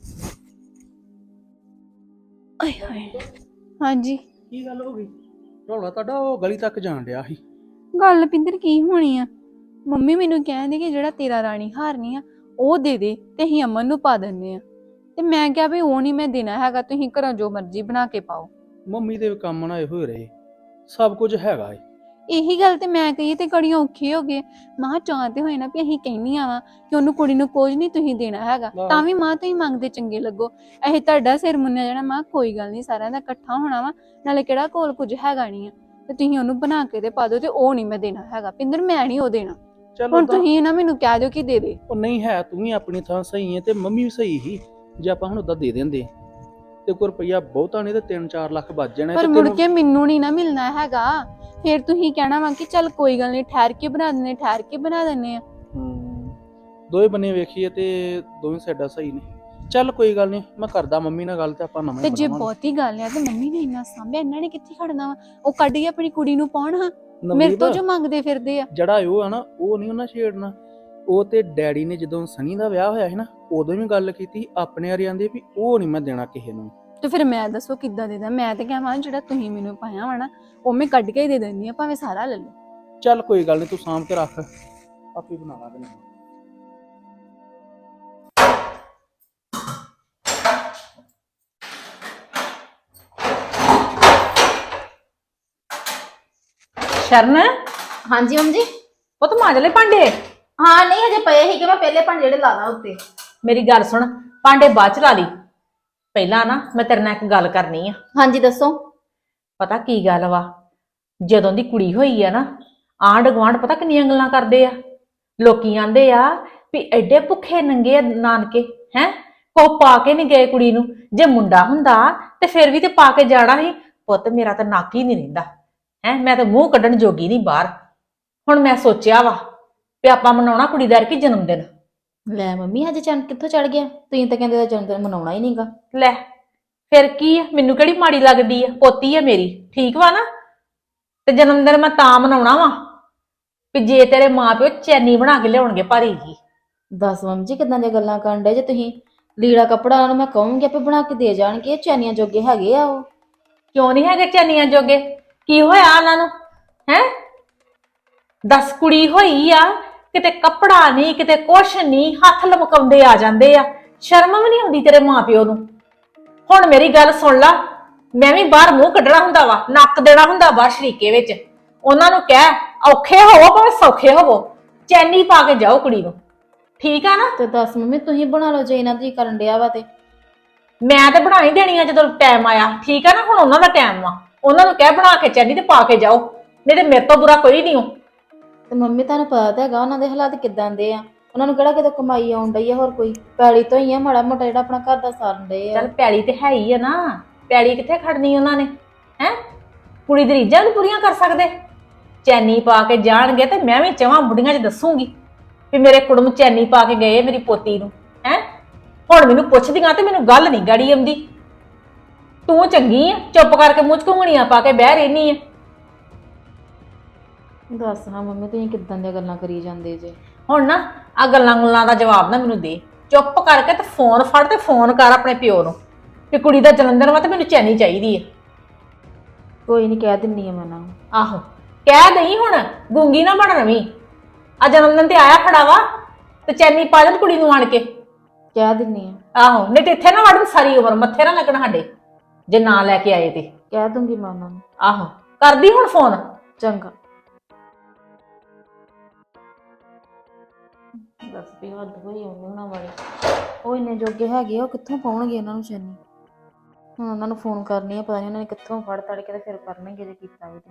S2: ਆਏ ਹਾਏ। ਹਾਂਜੀ
S3: ਕੀ ਗੱਲ ਹੋ ਗਈ? ਰੌਲਾ ਤੁਹਾਡਾ ਉਹ ਗਲੀ ਤੱਕ ਜਾਣ ਡਿਆ ਸੀ।
S2: ਗੱਲ ਪਿੰਦਰ ਕੀ ਹੋਣੀ ਆ? ਮੰਮੀ ਮੈਨੂੰ ਕਹਿੰਦੇ ਕਿ ਜਿਹੜਾ ਤੇਰਾ ਰਾਣੀ ਹਾਰ ਨਹੀਂ ਆ ਉਹ ਦੇ ਦੇ ਤੇ ਅਸੀਂ ਅਮਨ ਨੂੰ ਪਾ ਦਿੰਦੇ ਆ। ਤੇ ਮੈਂ ਕਿਹਾ ਵੀ ਉਹ ਨਹੀਂ ਮੈਂ ਦੇਣਾ ਹੈਗਾ, ਤੁਸੀਂ ਘਰੋਂ ਜੋ ਮਰਜ਼ੀ ਬਣਾ ਕੇ ਪਾਓ।
S3: ਮੰਮੀ ਦੇ ਕੰਮ ਨਾ ਇਹੋ ਹੀ ਰਹੇ, ਸਭ ਕੁਝ ਹੈਗਾ ਏ।
S2: ਇਹੀ ਗੱਲ ਤੇ ਮੈਂ ਕਹੀ ਤੇ ਕੜੀਆਂ ਔਖੇ ਹੋ ਗਏ। ਮਾਂ ਚਾਹਤੇ ਹੋਏ ਨਾ ਵੀ ਅਸੀਂ ਕਹਿੰਦੀਆਂ ਵਾ ਕਿ ਉਹਨੂੰ ਕੁੜੀ ਨੂੰ ਕੁਝ ਨਹੀਂ ਤੁਸੀਂ ਦੇਣਾ ਹੈਗਾ, ਤਾਂ ਵੀ ਮਾਂ ਤੁਸੀਂ ਮੰਗਦੇ ਚੰਗੇ ਲੱਗੋ। ਇਹ ਤੁਹਾਡਾ ਸਿਰ ਮੁੰਨਿਆ ਜਾਣਾ। ਮਾਂ ਕੋਈ ਗੱਲ ਨਹੀਂ, ਸਾਰਿਆਂ ਦਾ ਇਕੱਠਾ ਹੋਣਾ ਵਾ, ਨਾਲੇ ਕਿਹੜਾ ਕੋਲ ਕੁਝ ਹੈਗਾ ਨਹੀਂ ਆ। ਤੇ ਤੁਸੀਂ ਉਹਨੂੰ ਬਣਾ ਕੇ ਤੇ ਪਾ ਦਿਓ ਤੇ ਉਹ ਨਹੀਂ ਮੈਂ ਦੇਣਾ ਹੈਗਾ। ਪਿੰਦਰ ਮੈਂ ਨਹੀਂ ਉਹ ਦੇਣਾ।
S3: ਚਲੋ
S2: ਹੁਣ ਤੁਸੀਂ ਨਾ ਮੈਨੂੰ ਕਹਿ ਦਿਓ ਕਿ ਦੇ ਦੇ।
S3: ਉਹ ਨਹੀਂ ਹੈ, ਤੂੰ ਵੀ ਆਪਣੀ ਥਾਂ ਸਹੀ ਹੈ ਤੇ ਮੰਮੀ ਵੀ ਸਹੀ ਸੀ। ਜੇ ਆਪਾਂ ਹੁਣ ਉਦਾਂ ਦੇ ਦਿੰਦੇ ਤੇ ਕੋਈ ਰੁਪਈਆ ਬਹੁਤਾ ਨਹੀਂ ਤੇ 3-4 ਲੱਖ ਬਚ ਜਾਣੇ
S2: ਪਰ
S3: ਤੇ
S2: ਮੁੜ
S3: ਤੈਨੂੰ
S2: ਕੇ ਮੈਨੂੰ ਨਹੀਂ ਨਾ ਮਿਲਣਾ ਹੈਗਾ। ਫਿਰ ਤੁਸੀਂ ਕਹਿਣਾ ਵਾ ਕਿ ਚੱਲ ਕੋਈ ਗੱਲ ਨਹੀਂ, ਠਹਿਰ ਕੇ ਬਣਾ ਦਿੰਨੇ ਆ।
S3: ਦੋਵੇਂ ਬੰਨੇ ਵੇਖੀਏ ਤੇ ਦੋਵੇਂ ਸਾਈਡਾਂ ਸਹੀ ਨੇ। ਚੱਲ ਕੋਈ ਗੱਲ ਨਹੀਂ, ਮੈਂ ਕਰਦਾ ਮੰਮੀ ਨਾਲ ਗੱਲ ਤੇ ਆਪਾਂ ਨਵਾਂ
S2: ਤੇ
S3: ਹੀ
S2: ਜੇ
S3: ਬਣਾਵਾਂਗੇ।
S2: ਬਹੁਤੀ ਗੱਲ ਆ ਤੇ ਮੰਮੀ ਨੇ ਇੰਨਾ ਸਾਂਭਿਆ, ਇਹਨਾਂ ਨੇ ਕਿੱਥੇ ਖੜਨਾ ਵਾ? ਉਹ ਕੱਢ ਕੇ ਆਪਣੀ ਕੁੜੀ ਨੂੰ ਪਾਉਣ ਹਾਂ, ਮੇਰੇ
S3: ਨਵਦੀਪ,
S2: ਤੋਂ ਜੋ ਮੰਗਦੇ ਫਿਰਦੇ ਆ।
S3: ਜਿਹੜਾ ਉਹ ਆ ਨਾ, ਉਹ ਨਹੀਂ ਉਹਨਾਂ ਛੇੜਨਾ। ਉਹ ਤੇ ਡੈਡੀ ਨੇ ਜਦੋਂ ਸਨੀ ਦਾ ਵਿਆਹ ਹੋਇਆ ਸੀ ਨਾ, ਉਦੋਂ ਵੀ ਗੱਲ ਕੀਤੀ ਆਪਣੇ ਵਾਲੇ ਆਂਦੇ ਵੀ ਉਹ ਨਹੀਂ ਮੈਂ ਦੇਣਾ ਕਿਸੇ ਨੂੰ।
S2: ਤੇ ਫਿਰ ਮੈਂ ਦੱਸੋ ਕਿੱਦਾਂ ਦੇ ਦਾਂ? ਮੈਂ ਤੇ ਕਹਾਂ ਜਿਹੜਾ ਤੁਸੀਂ ਮੈਨੂੰ ਪਾਇਆ ਵਾ ਨਾ, ਉਹ ਮੈਂ ਕੱਢ ਕੇ ਹੀ ਦੇ ਦਿੰਦੀ ਆ, ਭਾਵੇਂ ਸਾਰਾ ਲੈ ਲਓ।
S3: ਚੱਲ ਕੋਈ ਗੱਲ ਨਹੀਂ, ਤੂੰ ਸਾਂਭ ਕੇ ਰੱਖ, ਆਪੇ ਬਣਾ ਲਾਂਗੇ ਨਵਾਂ।
S1: ਸ਼ਰਨ
S4: ਹਾਂਜੀ ਮੰਮੀ ਜੀ।
S1: ਉਹ ਤਾਂ ਮਾਂਜ ਲੈ ਭਾਂਡੇ।
S4: ਹਾਂ ਨਹੀਂ ਹਜੇ ਪਏ ਸੀ ਕਿ ਮੈਂ ਪਹਿਲੇ ਭਾਂਡੇ ਜਿਹੜੇ ਲਾਦਾ ਉੱਤੇ।
S1: ਮੇਰੀ ਗੱਲ ਸੁਣ, ਭਾਂਡੇ ਬਾਅਦ ਚ ਲਾ ਲਈ, ਪਹਿਲਾਂ ਨਾ ਮੈਂ ਤੇਰੇ ਨਾਲ ਇੱਕ ਗੱਲ ਕਰਨੀ ਆ।
S4: ਹਾਂਜੀ ਦੱਸੋ।
S1: ਪਤਾ ਕੀ ਗੱਲ ਵਾ, ਜਦੋਂ ਦੀ ਕੁੜੀ ਹੋਈ ਆ ਨਾ, ਆਂਢ ਗੁਆਂਢ ਪਤਾ ਕਿੰਨੀਆਂ ਗੱਲਾਂ ਕਰਦੇ ਆ। ਲੋਕੀ ਆਂਦੇ ਆ ਵੀ ਐਡੇ ਭੁੱਖੇ ਨੰਗੇ ਆ ਨਾਨਕੇ, ਹੈ ਕੋ ਪਾ ਕੇ ਨਹੀਂ ਗਏ ਕੁੜੀ ਨੂੰ। ਜੇ ਮੁੰਡਾ ਹੁੰਦਾ ਤੇ ਫਿਰ ਵੀ ਤੇ ਪਾ ਕੇ ਜਾਣਾ ਸੀ। ਪੁੱਤ ਮੇਰਾ ਤਾਂ ਨੱਕ ਹੀ ਨਹੀਂ ਰਹਿੰਦਾ, ਹੈ ਮੈਂ ਤਾਂ ਮੂੰਹ ਕੱਢਣ ਜੋਗੀ ਨਹੀਂ ਬਾਹਰ। ਹੁਣ ਮੈਂ ਸੋਚਿਆ ਵਾ ਵੀ ਆਪਾਂ ਮਨਾਉਣਾ ਕੁੜੀ ਦਾ ਕਿ ਜਨਮ ਦਿਨ।
S4: ਲੈ ਮੰਮੀ ਹਜੇ ਚੰਨ ਕਿੱਥੋਂ ਚੜ ਗਿਆ? ਤੁਸੀਂ ਤਾਂ ਕਹਿੰਦੇ ਦਾ ਜਨਮ ਦਿਨ ਮਨਾਉਣਾ ਹੀ ਨਹੀਂਗਾ।
S1: ਲੈ ਫਿਰ ਕੀ ਆ, ਮੈਨੂੰ ਕਿਹੜੀ ਮਾੜੀ ਲੱਗਦੀ ਆ, ਪੋਤੀ ਆ ਮੇਰੀ, ਠੀਕ ਵਾ ਨਾ। ਤੇ ਜਨਮ ਦਿਨ ਮੈਂ ਤਾਂ ਮਨਾਉਣਾ ਵਾ ਵੀ ਜੇ ਤੇਰੇ ਮਾਪਿਓ ਚੈਨੀ ਬਣਾ ਕੇ ਲਿਆਉਣਗੇ ਭਾਰੀ ਜੀ।
S4: ਦੱਸ ਮੰਮੀ ਜੀ ਕਿਦਾਂ ਦੀਆਂ ਗੱਲਾਂ ਕਰਨ ਡੇ ਜੇ ਤੁਸੀਂ? ਲੀੜਾ ਕੱਪੜਾ ਉਹਨਾਂ ਨੂੰ ਮੈਂ ਕਹੂੰਗੀ ਆਪੇ ਬਣਾ ਕੇ ਦੇ ਜਾਣਗੇ, ਇਹ ਚੈਨੀਆਂ ਜੋਗੇ ਹੈਗੇ ਆ ਉਹ।
S1: ਕਿਉਂ ਨਹੀਂ ਹੈਗੇ ਚੈਨੀਆਂ ਜੋਗੇ? ਕੀ ਹੋਇਆ ਉਹਨਾਂ ਨੂੰ, ਹੈ? 10 ਕੁੜੀ ਹੋਈ ਆ, ਕਿਤੇ ਕੱਪੜਾ ਨਹੀਂ, ਕਿਤੇ ਕੁਛ ਨਹੀਂ, ਹੱਥ ਲਮਕਾਉਂਦੇ ਆ ਜਾਂਦੇ ਆ। ਸ਼ਰਮ ਵੀ ਨਹੀਂ ਆਉਂਦੀ ਤੇਰੇ ਮਾਪਿਓ ਨੂੰ? ਹੁਣ ਮੇਰੀ ਗੱਲ ਸੁਣ ਲਾ, ਮੈਂ ਵੀ ਬਾਹਰ ਮੂੰਹ ਕੱਢਣਾ ਹੁੰਦਾ ਵਾ, ਨੱਕ ਦੇਣਾ ਹੁੰਦਾ ਬਾਹਰ ਸ਼ਰੀਕੇ ਵਿੱਚ। ਉਹਨਾਂ ਨੂੰ ਕਹਿ ਔਖੇ ਹੋਵੋ ਭਾਵੇਂ ਸੌਖੇ ਹੋਵੋ, ਚੈਨੀ ਪਾ ਕੇ ਜਾਓ ਕੁੜੀ ਨੂੰ, ਠੀਕ ਆ ਨਾ?
S4: ਤੇ ਦੱਸ ਮੰਮੀ ਤੁਸੀਂ ਬਣਾ ਲਓ ਜੇ ਇਹਨਾਂ ਦੀ ਕਰਨ ਡਿਆ ਵਾ ਤੇ।
S1: ਮੈਂ ਤੇ ਬਣਾ ਹੀ ਦੇਣੀ ਆ ਜਦੋਂ ਟਾਈਮ ਆਇਆ, ਠੀਕ ਆ ਨਾ? ਹੁਣ ਉਹਨਾਂ ਦਾ ਟਾਈਮ ਵਾ, ਉਹਨਾਂ ਨੂੰ ਕਹਿ ਬਣਾ ਕੇ ਚੈਨੀ ਤੇ ਪਾ ਕੇ ਜਾਓ, ਨਹੀਂ ਤੇ ਮੇਰੇ ਤੋਂ ਬੁਰਾ ਕੋਈ ਨਹੀਂ ਹੋ।
S4: ਤੇ ਮੰਮੀ ਤੁਹਾਨੂੰ ਪਤਾ ਤਾਂ ਹੈਗਾ ਉਹਨਾਂ ਦੇ ਹਾਲਾਤ ਕਿਦਾਂ ਦੇ ਆ। ਉਹਨਾਂ ਨੂੰ ਕਿਹੜਾ ਕਿਤੇ ਕਮਾਈ ਆਉਣ ਡਈ ਆ, ਹੋਰ ਕੋਈ ਪੈਲੀ ਤੋਂ ਹੀ ਆ ਮਾੜਾ ਮੋਟਾ ਜਿਹੜਾ ਆਪਣਾ ਘਰ ਦਾ ਸਾਰਨ ਡਏ ਆ।
S1: ਚੱਲ ਪੈਲੀ ਤੇ ਹੈ ਹੀ ਆ ਨਾ, ਪੈਲੀ ਕਿੱਥੇ ਖੜਨੀ ਉਹਨਾਂ ਨੇ, ਹੈ? ਕੁੜੀ ਦੀ ਰੀਝਾਂ ਨੂੰ ਪੂਰੀਆਂ ਕਰ ਸਕਦੇ? ਚੈਨੀ ਪਾ ਕੇ ਜਾਣਗੇ ਤੇ ਮੈਂ ਵੀ ਚਵਾਂ ਬੁੜੀਆਂ 'ਚ ਦੱਸੂਗੀ ਵੀ ਮੇਰੇ ਕੁੜਮ ਚੈਨੀ ਪਾ ਕੇ ਗਏ ਮੇਰੀ ਪੋਤੀ ਨੂੰ, ਹੈ? ਹੁਣ ਮੈਨੂੰ ਪੁੱਛਦੀਆਂ ਤੇ ਮੈਨੂੰ ਗੱਲ ਨਹੀਂ ਗਾੜੀ ਆਉਂਦੀ। ਤੂੰ ਚੰਗੀ ਆ, ਚੁੱਪ ਕਰਕੇ ਮੂੰਹ 'ਚ ਘੁੰਗਣੀਆਂ ਪਾ ਕੇ ਬਹਿ ਰਹਿਨੀ ਆ।
S4: ਦੱਸ ਹਾਂ ਮੰਮੀ ਤੁਸੀਂ ਕਿਦਾਂ ਦੀਆਂ ਗੱਲਾਂ ਕਰੀ ਜਾਂਦੇ ਜੇ?
S1: ਹੁਣ ਨਾ ਆ ਗੱਲਾਂ ਦਾ ਜਵਾਬ ਨਾ ਮੈਨੂੰ ਦੇ, ਚੁੱਪ ਕਰਕੇ ਤੇ ਫੋਨ ਫੜ ਤੇ ਫੋਨ ਕਰ ਆਪਣੇ ਪਿਓ ਨੂੰ ਕਿ ਕੁੜੀ ਦਾ ਜਨਮ ਦਿਨ ਵਾ ਤੇ ਮੈਨੂੰ ਚੈਨੀ ਚਾਹੀਦੀ ਆ।
S4: ਕੋਈ ਨਹੀਂ ਕਹਿ ਦਿੰਨੀ ਆ ਮੈਂ ਉਹਨਾਂ ਨੂੰ।
S1: ਆਹੋ ਕਹਿ ਦਈ, ਹੁਣ ਗੂੰਗੀ ਨਾ ਬਣ ਰਵੀਂ। ਆ ਜਨਮ ਦਿਨ ਤੇ ਆਇਆ ਖੜਾ ਵਾ ਤੇ ਚੈਨੀ ਪਾ ਦੇ ਕੁੜੀ ਨੂੰ ਆਣ ਕੇ।
S4: ਕਹਿ ਦਿੰਨੀ ਆ।
S1: ਆਹੋ ਨਹੀਂ ਤੇ ਇੱਥੇ ਨਾ ਵੜਨ, ਸਾਰੀ ਉਮਰ ਮੱਥੇ ਨਾ ਲੱਗਣ ਸਾਡੇ ਜੇ ਨਾ ਲੈ ਕੇ ਆਏ ਤੇ।
S4: ਕਹਿ ਦੂੰਗੀ ਮੈਂ ਉਹਨਾਂ ਨੂੰ।
S1: ਆਹੋ ਕਰਦੀ ਹੁਣ ਫੋਨ।
S4: ਚੰਗਾ।
S1: ਦੱਸ ਵੀ ਹੱਦ ਹੋਈ ਉਹਨਾਂ ਵਾਲੀ।
S4: ਉਹ ਇੰਨੇ ਜੋਗੇ ਹੈਗੇ ਆ, ਉਹ ਕਿੱਥੋਂ ਪਾਉਣਗੇ ਉਹਨਾਂ ਨੂੰ ਚੈਨੀ? ਹੁਣ ਉਹਨਾਂ ਨੂੰ ਫੋਨ ਕਰਨੀ ਆ, ਪਤਾ ਨਹੀਂ ਉਹਨਾਂ ਨੇ ਕਿੱਥੋਂ ਫੜ ਤੜ ਕੇ ਤੇ ਫਿਰ ਕਰਨਗੇ ਜੇ ਕੀਤਾ ਵੀ ਤੇ।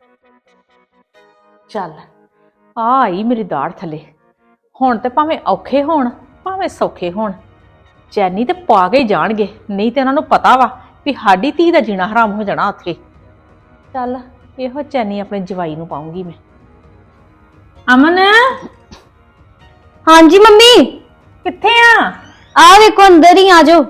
S1: ਚੱਲ ਆ ਆਈ ਮੇਰੀ ਦਾੜ ਥੱਲੇ। ਹੁਣ ਤੇ ਭਾਵੇਂ ਔਖੇ ਹੋਣ ਭਾਵੇਂ ਸੌਖੇ ਹੋਣ, ਚੈਨੀ ਤੇ ਪਾ ਕੇ ਹੀ ਜਾਣਗੇ, ਨਹੀਂ ਤੇ ਉਹਨਾਂ ਨੂੰ ਪਤਾ ਵਾ ਵੀ ਸਾਡੀ ਧੀ ਦਾ ਜੀਣਾ ਹਰਾਮ ਹੋ ਜਾਣਾ ਉੱਥੇ। ਚੱਲ ਇਹੋ ਚੈਨੀ ਆਪਣੇ ਜਵਾਈ ਨੂੰ ਪਾਉਂਗੀ ਮੈਂ। ਅਮਨ
S5: ਹਾਂਜੀ ਮੰਮੀ,
S1: ਕਿੱਥੇ ਆ?
S5: ਆ ਵੇਖੋ ਅੰਦਰ ਹੀ ਆ ਜਾਓ।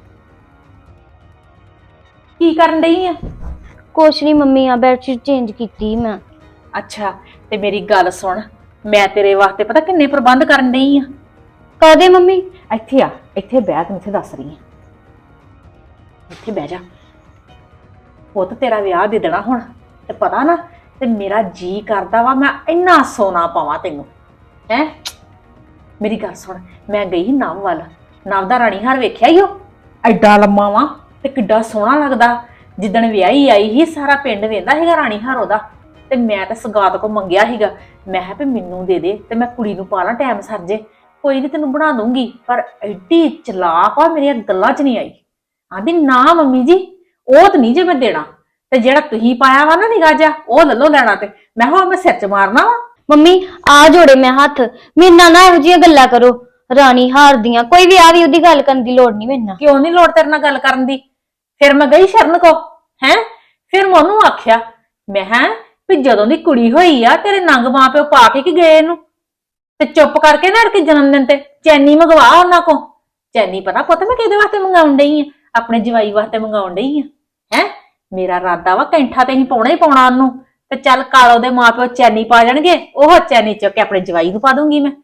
S1: ਕੀ ਕਰਨ ਡਈ ਆ?
S5: ਕੁਛ ਨਹੀਂ ਮੰਮੀ, ਆ ਬੈਡਸ਼ੀਟ ਚੇਂਜ ਕੀਤੀ ਮੈਂ।
S1: ਅੱਛਾ ਤੇ ਮੇਰੀ ਗੱਲ ਸੁਣ, ਮੈਂ ਤੇਰੇ ਵਾਸਤੇ ਪਤਾ ਕਿੰਨੇ ਪ੍ਰਬੰਧ ਕਰਨ ਡਈ ਆ।
S5: ਕਾਹਦੇ ਮੰਮੀ?
S1: ਇੱਥੇ ਆ, ਇੱਥੇ ਬਹਿ, ਤੈਨੂੰ ਇੱਥੇ ਦੱਸ ਰਹੀ ਆ, ਇੱਥੇ ਬਹਿ ਜਾ। ਪੁੱਤ ਤੇਰਾ ਵਿਆਹ ਦੇ ਦੇਣਾ ਹੁਣ ਤੇ ਪਤਾ ਨਾ, ਤੇ ਮੇਰਾ ਜੀ ਕਰਦਾ ਵਾ ਮੈਂ ਇੰਨਾ ਸੋਨਾ ਪਾਵਾਂ ਤੈਨੂੰ, ਹੈ? ਮੇਰੀ ਗੱਲ ਸੁਣ, ਮੈਂ ਗਈ ਨਵ ਵੱਲ, ਨਵ ਦਾ ਰਾਣੀ ਹਾਰ ਵੇਖਿਆ ਹੀ ਉਹ ਐਡਾ ਲੰਮਾ ਵਾ ਤੇ ਕਿੱਡਾ ਸੋਹਣਾ ਲੱਗਦਾ। ਜਿੱਦਣ ਵਿਆਹੀ ਆਈ ਸੀ ਸਾਰਾ ਪਿੰਡ ਵੇਂਦਾ ਸੀਗਾ ਰਾਣੀ ਹਾਰ ਉਹਦਾ, ਤੇ ਮੈਂ ਤਾਂ ਸਗਾਤ ਕੋ ਮੰਗਿਆ ਸੀਗਾ, ਮੈਂ ਕਿਹਾ ਵੀ ਮੈਨੂੰ ਦੇ ਦੇ ਤੇ ਮੈਂ ਕੁੜੀ ਨੂੰ ਪਾ ਲਾਂ, ਟਾਈਮ ਸਰ ਜੇ, ਕੋਈ ਨਹੀਂ ਤੈਨੂੰ ਬਣਾ ਦੂੰਗੀ। ਪਰ ਐਡੀ ਚਲਾਕ ਆ, ਮੇਰੀਆਂ ਗੱਲਾਂ 'ਚ ਨਹੀਂ ਆਈ। ਆਂਦੀ ਨਾ ਮੰਮੀ ਜੀ ਉਹ ਤਾਂ ਨਹੀਂ ਜੇ ਮੈਂ ਦੇਣਾ, ਤੇ ਜਿਹੜਾ ਤੁਸੀਂ ਪਾਇਆ ਵਾ ਨਾ ਨਿਗਾਹ ਜਾ, ਉਹ ਲੈ ਲਓ ਲੈਣਾ। ਤੇ ਮੈਂ ਕਿਹਾ ਮੈਂ ਸਿਰ 'ਚ ਮਾਰਨਾ ਵਾ।
S5: ਮੰਮੀ ਆ ਜੋੜੇ ਮੈਂ ਹੱਥ, ਮੇਰੇ ਨਾਲ ਨਾ ਇਹੋ ਜਿਹੀਆਂ ਗੱਲਾਂ ਕਰੋ ਰਾਣੀ ਹਾਰ ਦੀਆਂ। ਕੋਈ ਵੀ ਆ ਵੀ ਉਹਦੀ ਗੱਲ ਕਰਨ ਦੀ ਲੋੜ ਨਹੀਂ ਮੇਰੇ ਨਾਲ।
S1: ਕਿਉਂ ਨਹੀਂ ਲੋੜ ਤੇਰੇ ਨਾਲ ਗੱਲ ਕਰਨ ਦੀ? ਫਿਰ ਮੈਂ ਗਈ ਸ਼ਰਨ ਕੋ, ਹੈ ਫਿਰ ਮੈਂ ਉਹਨੂੰ ਆਖਿਆ, ਮੈਂ ਕਿਹਾ ਵੀ ਜਦੋਂ ਦੀ ਕੁੜੀ ਹੋਈ ਆ ਤੇਰੇ ਨੰਗ ਮਾਂ ਪਿਓ ਪਾ ਕੇ ਕਿ ਗਏ ਇਹਨੂੰ, ਤੇ ਚੁੱਪ ਕਰਕੇ ਨਾ ਕਿ ਜਨਮ ਦਿਨ ਤੇ ਚੈਨੀ ਮੰਗਵਾ ਉਹਨਾਂ ਕੋ। ਚੈਨੀ ਪਤਾ ਪੁੱਤ ਮੈਂ ਕਿਹਦੇ ਵਾਸਤੇ ਮੰਗਾਉਣ ਡਈ ਆ, ਆਪਣੇ ਜਵਾਈ ਵਾਸਤੇ ਮੰਗਾਉਣ ਡਈ ਆ। ਹੈ ਮੇਰਾ ਇਰਾਦਾ ਵਾ ਕੈਂਠਾ ਤੇ ਹੀ ਪਾਉਣਾ ਹੀ ਪਾਉਣਾ ਉਹਨੂੰ, ਤੇ ਚੱਲ ਕਾਲੋ ਦੇ ਮਾਂ ਪਿਓ ਚੈਨੀ ਪਾ ਜਾਣਗੇ, ਉਹ ਚੈਨੀ ਚੁੱਕ ਕੇ ਆਪਣੇ ਜਵਾਈ ਨੂੰ ਪਾ ਦੂੰਗੀ ਮੈਂ।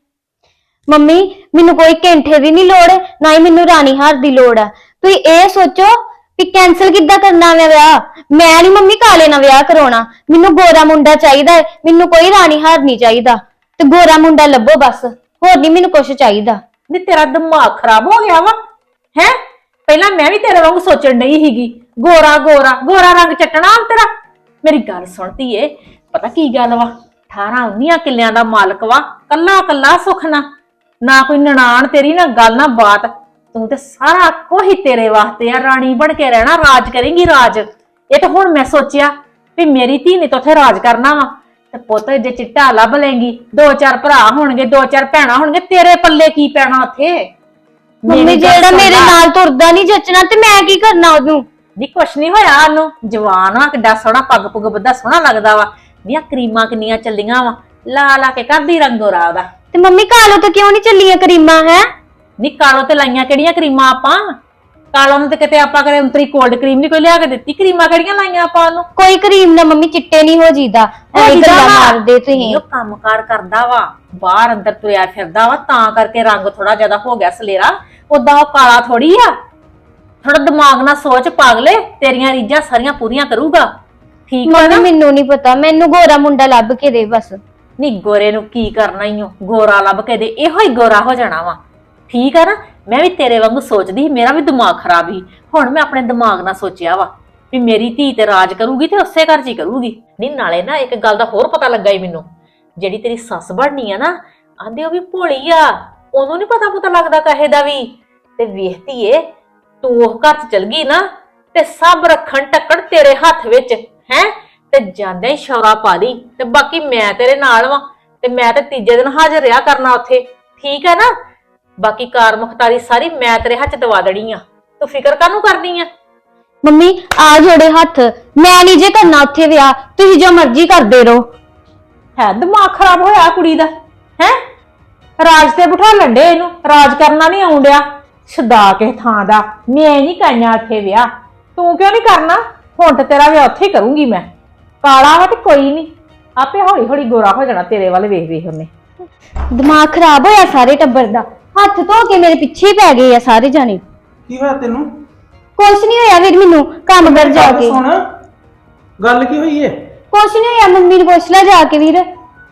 S5: ਮੰਮੀ ਮੈਨੂੰ ਕੋਈ ਕੈਂਠੇ ਦੀ ਨਹੀਂ ਲੋੜ, ਨਾ ਹੀ ਮੈਨੂੰ ਰਾਣੀ ਹਾਰ ਦੀ ਲੋੜ ਆ। ਤੁਸੀਂ ਇਹ ਸੋਚੋ ਵੀ ਕੈਨਸਲ ਕਿੱਦਾਂ ਕਰਨਾ ਵਾ ਵਿਆਹ। ਮੈਂ ਨਹੀਂ ਮੰਮੀ ਕਾਲੇ ਨਾਲ ਵਿਆਹ ਕਰਾਉਣਾ, ਮੈਨੂੰ ਗੋਰਾ ਮੁੰਡਾ ਚਾਹੀਦਾ ਹੈ, ਮੈਨੂੰ ਕੋਈ ਰਾਣੀ ਹਾਰ ਨਹੀਂ ਚਾਹੀਦਾ, ਤੇ ਗੋਰਾ ਮੁੰਡਾ ਲੱਭੋ ਬਸ, ਹੋਰ ਨਹੀਂ ਮੈਨੂੰ ਕੁਝ ਚਾਹੀਦਾ।
S1: ਨੀ ਤੇਰਾ ਦਿਮਾਗ ਖਰਾਬ ਹੋ ਗਿਆ ਵਾ ਹੈ। ਪਹਿਲਾਂ ਮੈਂ ਵੀ ਤੇਰੇ ਵਾਂਗ ਸੋਚਣ ਡਈ ਸੀਗੀ, ਗੋਰਾ ਗੋਰਾ ਗੋਰਾ ਰੰਗ ਚੱਟਣਾ ਤੇਰਾ। ਮੇਰੀ ਗੱਲ ਸੁਣਤੀ ਏ, ਪਤਾ ਕੀ ਗੱਲ ਵਾ, 18-19 ਕਿੱਲਿਆਂ ਦਾ ਮਾਲਕ ਵਾ, ਕੱਲਾ ਕੱਲਾ ਸੁੱਖ ਨਾ ਕੋਈ ਨਨਾਣ ਤੇਰੀ, ਨਾ ਗੱਲ ਨਾ ਬਾਤ, ਤੂੰ ਤੇ ਸਾਰਾ ਕੋਈ ਤੇਰੇ ਵਾਸਤੇ ਆ, ਰਾਣੀ ਬਣ ਕੇ ਰਹਿਣਾ, ਰਾਜ ਕਰੇਂਗੀ ਰਾਜ। ਇਹ ਤਾਂ ਹੁਣ ਮੈਂ ਸੋਚਿਆ ਵੀ ਮੇਰੀ ਧੀ ਨੇ ਤਾਂ ਉੱਥੇ ਰਾਜ ਕਰਨਾ ਵਾ, ਤੇ ਪੁੱਤ ਜੇ ਚਿੱਟਾ ਲੱਭ ਲੇਂਗੀ, 2-4 ਭਰਾ ਹੋਣਗੇ, 2-4 ਭੈਣਾਂ ਹੋਣਗੇ, ਤੇਰੇ ਪੱਲੇ ਕੀ ਪੈਣਾ ਉੱਥੇ।
S5: ਮੰਮੀ ਜਿਹੜਾ ਮੇਰੇ ਨਾਲ ਤੁਰਦਾ ਨਹੀਂ ਜੱਚਣਾ ਤੇ ਮੈਂ ਕੀ ਕਰਨਾ ਉਹਨੂੰ।
S1: ਨੀ ਕੁਛ ਨਹੀਂ ਹੋਇਆ ਉਹਨੂੰ, ਜਵਾਨ ਆ, ਕਿੱਡਾ ਸੋਹਣਾ ਪੱਗ ਪੁੱਗ ਬੱਧਾ ਸੋਹਣਾ ਲੱਗਦਾ ਵਾ। ਨੀਆਂ ਕਰੀਮਾਂ ਕਿੰਨੀਆਂ ਚੱਲੀਆਂ ਵਾ, ਲਾ ਕੇ ਕਰਦੀ ਰੰਗੋਰਾ ਉਹਦਾ।
S5: ਤੇ ਮੰਮੀ ਕਾਲੋ ਤੇ ਕਿਉਂ ਨਹੀਂ ਚੱਲੀਆਂ ਕਰੀਮਾਂ ਹੈ?
S1: ਨੀ ਕਾਲੋ ਤੇ ਲਾਈਆਂ ਕਿਹੜੀਆਂ ਕਰੀਮਾਂ ਆਪਾਂ, ਕਾਲੋ ਨੂੰ ਤੇ ਕਿਤੇ ਆਪਾਂ ਕਰੇ ਉਂਤਰੀ ਕੋਲਡ ਕਰੀਮ ਨਹੀਂ ਕੋਈ ਲਿਆ ਕੇ ਦਿੱਤੀ, ਕਰੀਮਾਂ ਕਿਹੜੀਆਂ ਲਾਈਆਂ ਆਪਾਂ ਉਹਨੂੰ।
S5: ਕੋਈ ਕਰੀਮ ਨਾ ਮੰਮੀ ਚਿੱਟੇ ਨਹੀਂ ਹੋ ਜੀਦਾ, ਐਵੇਂ ਗੱਲਾਂ ਮਾਰਦੇ ਤੁਸੀਂ।
S1: ਉਹ ਕੰਮਕਾਰ ਕਰਦਾ ਵਾ, ਬਾਹਰ ਅੰਦਰ ਤੁਰਿਆ ਫਿਰਦਾ ਵਾ, ਤਾਂ ਕਰਕੇ ਰੰਗ ਥੋੜਾ ਜਿਆਦਾ ਹੋ ਗਿਆ ਸਲੇਰਾ, ਉਦਾਂ ਉਹ ਕਾਲਾ ਥੋੜੀ ਆ। ਥੋੜਾ ਦਿਮਾਗ ਨਾਲ ਸੋਚ ਪਾਗਲੇ, ਤੇਰੀਆਂ ਰੀਝਾਂ ਸਾਰੀਆਂ ਪੂਰੀਆਂ ਕਰੂਗਾ, ਠੀਕ ਆ ਨਾ।
S5: ਮੈਨੂੰ ਨਹੀਂ ਪਤਾ, ਮੈਨੂੰ ਗੋਰਾ ਮੁੰਡਾ ਲੱਭ ਕੇ ਦੇ ਬਸ।
S1: ਨੀ ਗੋਰੇ ਨੂੰ ਕੀ ਕਰਨਾ ਈ ਓ, ਗੋਰਾ ਲੱਭ ਕੇ ਦੇ, ਇਹੋ ਹੀ ਗੋਰਾ ਹੋ ਜਾਣਾ ਵਾ, ਠੀਕ ਆ ਨਾ। ਮੈਂ ਵੀ ਤੇਰੇ ਵਾਂਗੂ ਸੋਚਦੀ ਸੀ, ਮੇਰਾ ਵੀ ਦਿਮਾਗ ਖਰਾਬ ਸੀ, ਹੁਣ ਮੈਂ ਆਪਣੇ ਦਿਮਾਗ ਨਾਲ ਸੋਚਿਆ ਵਾ ਵੀ ਮੇਰੀ ਧੀ ਤੇ ਰਾਜ ਕਰੂਗੀ ਤੇ ਉਸੇ ਘਰ 'ਚ ਹੀ ਕਰੂਗੀ। ਨਹੀਂ ਨਾਲੇ ਨਾ ਇੱਕ ਗੱਲ ਦਾ ਹੋਰ ਪਤਾ ਲੱਗਾ ਈ ਮੈਨੂੰ, ਜਿਹੜੀ ਤੇਰੀ ਸੱਸ ਬਣਨੀ ਆ ਨਾ, ਆਂਦੇ ਉਹ ਵੀ ਭੋਲੀ ਆ, ਉਹਨੂੰ ਨੀ ਪਤਾ ਲੱਗਦਾ ਕਹੇ ਦਾ ਵੀ। ਤੇ ਵੇਖਤੀ ਏ ਤੂੰ ਉਹ ਘਰ 'ਚ ਚਲ ਗਈ ਨਾ, ਤੇ ਸਭ ਰੱਖਣ ਟੱਕਣ ਤੇਰੇ ਹੱਥ ਵਿੱਚ ਹੈ, ਤੇ ਜਾਂਦੇ ਹੀ ਸ਼ੌਰਾ ਪਾ ਲਈ, ਤੇ ਬਾਕੀ ਮੈਂ ਤੇਰੇ ਨਾਲ ਵਾਂ, ਤੇ ਮੈਂ ਤੇ ਤੀਜੇ ਦਿਨ ਹਾਜ਼ਰ ਰਿਹਾ ਕਰਨਾ ਉੱਥੇ, ਠੀਕ ਹੈ ਨਾ। ਬਾਕੀ ਕਾਰ ਮੁਖਤਾਰੀ ਸਾਰੀ ਮੈਂ ਤੇਰੇ ਹੱਥ 'ਚ ਦਵਾ ਦੇਣੀ ਆ, ਤੂੰ ਫਿਕਰ ਕਾਹਨੂੰ ਕਰਨੀ ਆ।
S5: ਮੰਮੀ ਆ ਜੋੜੇ ਹੱਥ, ਮੈਂ ਨਹੀਂ ਜੇ ਕਰਨਾ ਉੱਥੇ ਵਿਆਹ, ਤੁਸੀਂ ਜੋ ਮਰਜ਼ੀ ਕਰਦੇ ਰਹੋ।
S1: ਹੈ ਦਿਮਾਗ ਖਰਾਬ ਹੋਇਆ ਕੁੜੀ ਦਾ ਹੈ, ਰਾਜ ਤੇ ਬਿਠਾ ਲੰਡੇ ਇਹਨੂੰ, ਰਾਜ ਕਰਨਾ ਨਹੀਂ ਆਉਂਦਿਆ, ਛਦਾ ਕੇ ਥਾਂ ਦਾ। ਮੈਂ ਨਹੀਂ ਕਰਨਾ ਉੱਥੇ ਵਿਆਹ, ਤੂੰ ਕਿਉਂ ਨਹੀਂ ਕਰਨਾ, ਹੁਣ ਤੇ ਤੇਰਾ ਵਿਆਹ ਉੱਥੇ ਹੀ ਕਰੂੰਗੀ ਮੈਂ। ਕਾਲਾ ਵਾ ਤੇ ਕੋਈ ਨਹੀਂ, ਆਪੇ ਹੌਲੀ ਹੌਲੀ ਗੋਰਾ ਹੋ ਜਾਣਾ ਤੇਰੇ ਵੱਲ ਵੇਖ ਵੇਖ ਉਹਨੇ।
S5: ਦਿਮਾਗ ਖਰਾਬ ਹੋਇਆ ਸਾਰੇ ਟੱਬਰ ਦਾ, ਹੱਥ ਧੋ ਕੇ ਮੇਰੇ ਪਿੱਛੇ ਹੀ ਪੈ ਗਏ ਆ ਸਾਰੇ ਜਾਣੇ।
S3: ਕੀ ਹੋਇਆ ਤੈਨੂੰ?
S5: ਕੁਛ ਨਹੀਂ ਹੋਇਆ ਵੀਰ, ਮੈਨੂੰ ਕੰਮ ਕਰ ਜਾ ਕੇ।
S3: ਸੁਣ ਗੱਲ ਕੀ ਹੋਈ ਏ?
S5: ਕੁਛ ਨਹੀਂ ਹੋਇਆ, ਮੰਮੀ ਨੂੰ ਪੁੱਛ ਲੈ ਜਾ ਕੇ ਵੀਰ।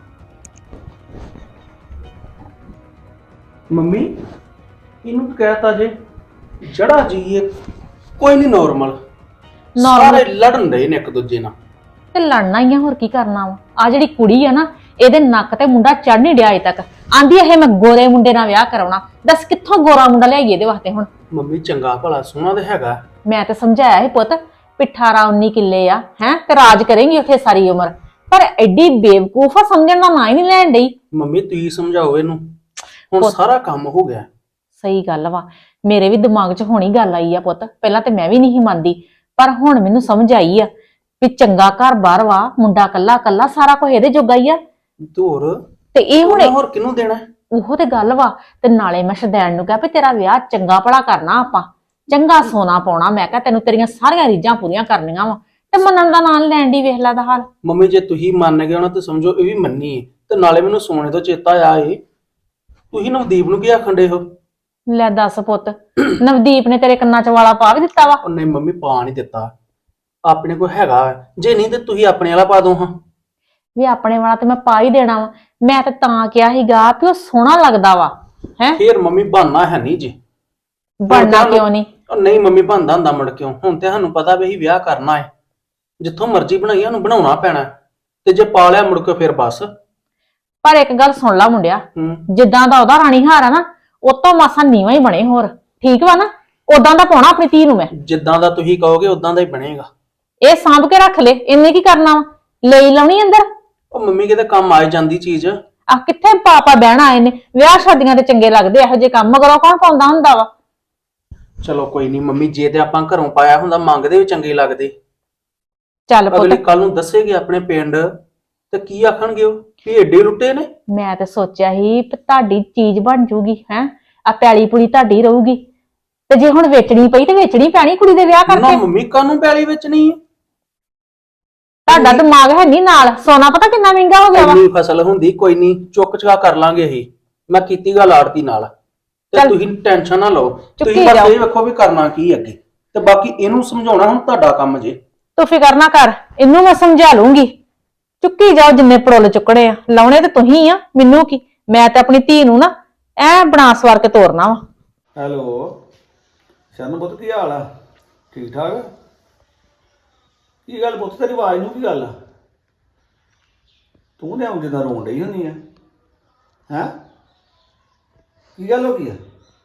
S3: ਮੰਮੀ ਇਹਨੂੰ ਕਹਿਤਾ ਜੇ ਜੜਾ ਜੀ ਕੋਈ ਨਹੀਂ, ਨਾਰਮਲ ਸਾਰੇ ਲੜਨ ਦੇ ਨੇ ਇੱਕ ਦੂਜੇ ਨਾਲ,
S1: ਤੇ ਲੜਨਾ ਹੀ ਆ, ਹੋਰ ਕੀ ਕਰਨਾ ਵਾ। ਆ ਜਿਹੜੀ ਕੁੜੀ ਆ ਨਾ, ਇਹਦੇ ਨੱਕ ਤੇ ਮੁੰਡਾ ਚੜ ਨਹੀਂ ਡਿਆ ਅਜੇ ਤੱਕ, ਆਂਦੀ ਇਹ ਮੈਂ ਗੋਰੇ ਮੁੰਡੇ ਨਾਲ ਵਿਆਹ ਕਰਾਉਣਾ। ਦੱਸ ਕਿੱਥੋਂ ਗੋਰਾ ਮੁੰਡਾ ਲਿਆਈਏ ਇਹਦੇ ਵਾਸਤੇ ਹੁਣ।
S3: ਮੰਮੀ ਚੰਗਾ ਭਲਾ ਸੋਹਣਾ ਤੇ ਹੈਗਾ,
S1: ਮੈਂ ਤੇ ਸਮਝਾਇਆ ਸੀ ਪੁੱਤ, 18-19 ਕਿੱਲੇ ਆ ਹੈ, ਤੇ ਰਾਜ ਕਰੇਂਗੀ ਉੱਥੇ ਸਾਰੀ ਉਮਰ, ਪਰ ਐਡੀ ਬੇਵਕੂਫ ਆ, ਸਮਝਣ ਦਾ ਨਾਂ ਹੀ ਨਹੀਂ ਲੈਣ ਡਈ।
S3: ਮੰਮੀ ਤੁਸੀਂ ਸਮਝਾਓ ਇਹਨੂੰ, ਹੁਣ ਸਾਰਾ ਕੰਮ ਹੋ ਗਿਆ।
S1: ਸਹੀ ਗੱਲ ਵਾ, ਮੇਰੇ ਵੀ ਦਿਮਾਗ 'ਚ ਹੁਣੀ ਗੱਲ ਆਈ ਆ ਪੁੱਤ, ਪਹਿਲਾਂ ਤੇ ਮੈਂ ਵੀ ਨਹੀਂ ਮੰਨਦੀ, ਪਰ ਹੁਣ ਮੈਨੂੰ ਸਮਝ ਆਈ ਆ ਵੀ ਚੰਗਾ ਘਰ ਬਾਹਰ ਵਾ, ਮੁੰਡਾ ਕੱਲਾ ਕੱਲਾ, ਸਾਰਾ ਕੁਝ ਇਹਦੇ ਜੋਗਾ ਹੀ ਆ।
S3: ਧੋਰ
S1: ਤੇ ਇਹ ਹੁਣ
S3: ਹੋਰ ਕਿਹਨੂੰ ਦੇਣਾ?
S1: ਉਹੋ ਤੇ ਗੱਲ ਵਾ। ਤੇ ਨਾਲੇ ਮੈਂ ਸ਼ਦੈਣ ਨੂੰ ਕਿਹਾ ਵੀ ਤੇਰਾ ਵਿਆਹ ਚੰਗਾ ਭਲਾ ਕਰਨਾ, ਆਪਾਂ ਚੰਗਾ ਸੋਨਾ ਪਾਉਣਾ, ਮੈਂ ਕਿਹਾ ਤੈਨੂੰ ਤੇਰੀਆਂ ਸਾਰੀਆਂ ਰੀਝਾਂ ਪੂਰੀਆਂ ਕਰਨੀਆਂ ਵਾ, ਤੇ ਮੰਨਣ ਦਾ ਨਾਂ ਲੈਣ ਦੀ ਵੇਖ ਲੈ ਦਾ ਹਾਲ।
S3: ਮੰਮੀ ਜੇ ਤੁਸੀਂ ਮੰਨ ਗਏ ਹੋ ਨਾ ਤੇ ਸਮਝੋ ਇਹ ਵੀ ਮੰਨੀ ਏ। ਤੇ ਨਾਲੇ ਮੈਨੂੰ ਸੋਨੇ ਤੋਂ ਚੇਤਾ ਆਇਆ ਏ, ਤੁਸੀਂ ਨਵਦੀਪ ਨੂੰ ਕੀ ਆਖਣ ਡੇ ਹੋ?
S1: ਲੈ ਦੱਸ ਪੁੱਤ, ਨਵਦੀਪ ਨੇ ਤੇਰੇ ਕੰਨਾਂ 'ਚ ਵਾਲਾ ਪਾ ਵੀ ਦਿੱਤਾ ਵਾ?
S3: ਉਹਨੇ ਮੰਮੀ ਪਾ ਨਹੀਂ ਦਿੱਤਾ, ਆਪਣੇ ਕੋਲ ਹੈਗਾ, ਜੇ ਨਹੀਂ ਤੇ ਤੁਸੀਂ ਆਪਣੇ ਵਾਲਾ ਪਾ ਦੋ। ਹਾਂ
S1: ਵੀ ਆਪਣੇ ਵਾਲਾ ਤੇ ਮੈਂ ਪਾ ਹੀ ਦੇਣਾ ਵਾ, ਮੈਂ ਤੇ ਤਾਂ ਕਿਹਾ ਸੀਗਾ ਵੀ ਉਹ ਸੋਹਣਾ ਲੱਗਦਾ ਵਾ ਹੈ।
S3: ਫੇਰ ਮੰਮੀ ਬਹਾਨਾ ਹੈ ਨਹੀਂ ਜੀ,
S1: ਬਣਨਾ ਕਿਉਂ ਨਹੀਂ?
S3: ਨਹੀਂ ਮੰਮੀ ਬਣਦਾ ਹੁੰਦਾ ਮੁੜ ਕਿਉਂ, ਹੁਣ ਤੇ ਸਾਨੂੰ ਪਤਾ ਵੀ ਅਸੀਂ ਵਿਆਹ ਕਰਨਾ ਹੈ, ਜਿੱਥੋਂ ਮਰਜ਼ੀ ਬਣਾਈ ਸਾਨੂੰ ਬਣਾਉਣਾ ਪੈਣਾ, ਤੇ ਜੇ ਪਾ ਲਿਆ ਮੁੜ ਕੇ ਫੇਰ ਬਸ।
S1: ਪਰ ਇੱਕ ਗੱਲ ਸੁਣ ਲਾ ਮੁੰਡਿਆ, ਜਿੱਦਾਂ ਦਾ ਉਹਦਾ ਰਾਣੀ ਹਾਰ ਆ ਨਾ, ਉਹ ਤੋਂ ਮਾਸਾ ਨੀਵਾਂ ਹੀ ਬਣੇ ਹੋਰ, ਠੀਕ ਵਾ ਨਾ, ਉਦਾਂ ਦਾ ਪਾਉਣਾ ਆਪਣੀ ਧੀ ਨੂੰ ਮੈਂ।
S3: ਜਿੱਦਾਂ ਦਾ ਤੁਸੀਂ ਕਹੋਗੇ ਉਦਾਂ ਦਾ ਹੀ ਬਣੇਗਾ।
S1: ਇਹ ਸਾਂਭ ਕੇ ਰੱਖ ਲੈ, ਇਹਨੇ ਕੀ ਕਰਨਾ ਵਾ, ਲਈ ਲਾਉਣੀ ਅੰਦਰ।
S3: ਉਹ ਮੰਮੀ ਕਿਤੇ ਕੰਮ ਆ ਜਾਂਦੀ ਚੀਜ਼।
S1: ਆ ਕਿੱਥੇ ਪਾਪਾ ਬਹਿਣਾ ਆਏ ਨੇ, ਵਿਆਹ ਸ਼ਾਦੀਆਂ ਤੇ ਚੰਗੇ ਲੱਗਦੇ ਇਹੋ ਜਿਹੇ ਕੰਮ, ਮਗਰੋਂ ਕੌਣ ਪਾਉਂਦਾ ਹੁੰਦਾ ਵਾ।
S3: ਚਲੋ ਕੋਈ ਨਹੀਂ ਮੰਮੀ, ਜੇ ਤੇ ਆਪਾਂ ਘਰੋਂ ਪਾਇਆ ਹੁੰਦਾ ਮੰਗਦੇ ਵੀ ਚੰਗੇ ਲੱਗਦੇ।
S1: ਚੱਲ
S3: ਅਗਲੇ
S1: ਪੁੱਤ,
S3: ਕੱਲ ਨੂੰ ਦੱਸੇਗੇ ਆਪਣੇ ਪਿੰਡ ਤੇ ਕੀ ਆਖਣਗੇ ਉਹ ਵੀ ਏਡੇ ਲੁੱਟੇ ਨੇ।
S1: ਮੈਂ ਤਾਂ ਸੋਚਿਆ ਸੀ ਵੀ ਤੁਹਾਡੀ ਚੀਜ਼ ਬਣ ਜੂਗੀ ਹੈ, ਆ ਪੈਲੀ ਪੁਲੀ ਤੁਹਾਡੀ ਰਹੂਗੀ, ਤੇ ਜੇ ਹੁਣ ਵੇਚਣੀ ਪਈ ਤੇ ਵੇਚਣੀ ਪੈਣੀ ਕੁੜੀ ਦੇ ਵਿਆਹ
S3: ਨਾ
S1: ਕਰਕੇ।
S3: ਮੰਮੀ, ਕਾਹਨੂੰ ਪੈਲੀ ਵਿੱਚ ਨਹੀਂ?
S1: ਤੁਹਾਡਾ ਦਿਮਾਗ ਹੈ ਨਹੀਂ ਨਾਲ, ਸੋਨਾ ਪਤਾ ਕਿੰਨਾ ਮਹਿੰਗਾ ਹੋ ਗਿਆ ਵਾ।
S3: ਇੰਨੀ ਫਸਲ ਹੁੰਦੀ, ਕੋਈ ਨਹੀਂ ਚੁੱਕ ਚੁਕਾ ਕਰ ਲਾਂਗੇ ਅਸੀਂ। ਮੈਂ ਕੀਤੀ ਗੱਲ ਆੜਤੀ ਨਾਲ, ਤੇ
S1: ਚੱਲ।
S3: ਤੁਸੀਂ ਟੈਨਸ਼ਨ ਨਾ ਲਓ।
S1: ਚੁੱਕੀ
S3: ਤੁਸੀਂ ਬਸ
S1: ਜਾਓ।
S3: ਇਹ ਵੇਖੋ ਵੀ ਕਰਨਾ ਕੀ ਅੱਗੇ, ਤੇ ਬਾਕੀ ਇਹਨੂੰ ਸਮਝਾਉਣਾ ਹੁਣ ਤੁਹਾਡਾ ਕੰਮ ਜੇ।
S1: ਤੂੰ ਫਿਕਰ ਨਾ ਕਰ, ਇਹਨੂੰ ਮੈਂ ਸਮਝਾ ਲੂੰਗੀ। ਚੁੱਕੀ ਜਾਓ ਜਿੰਨੇ ਪੜੋਲ ਚੁੱਕਣੇ ਆ, ਲਾਉਣੇ ਤੇ ਤੁਸੀਂ ਆ, ਮੈਨੂੰ ਕੀ। ਮੈਂ ਤੇ ਆਪਣੀ ਧੀ ਨੂੰ ਨਾ ਐ ਬਣਾ ਸਵਾਰ ਕੇ ਤੋਰਨਾ ਵਾ।
S6: ਹੈਲੋ ਸ਼ਰਨ ਪੁੱਤ, ਕੀ ਹਾਲ ਆ? ਠੀਕ ਠਾਕ? ਕੀ ਗੱਲ ਪੁੱਤ, ਤੇਰੀ ਆਵਾਜ਼ ਨੂੰ ਕੀ ਗੱਲ ਆ? ਤੂੰ ਤੇ ਆਉਂ ਜਿੱਦਾਂ ਰੋਣ ਡਈ ਹੁੰਦੀ ਆ। ਹੈਂ, ਕੀ ਗੱਲ ਹੋ ਗਈ ਆ?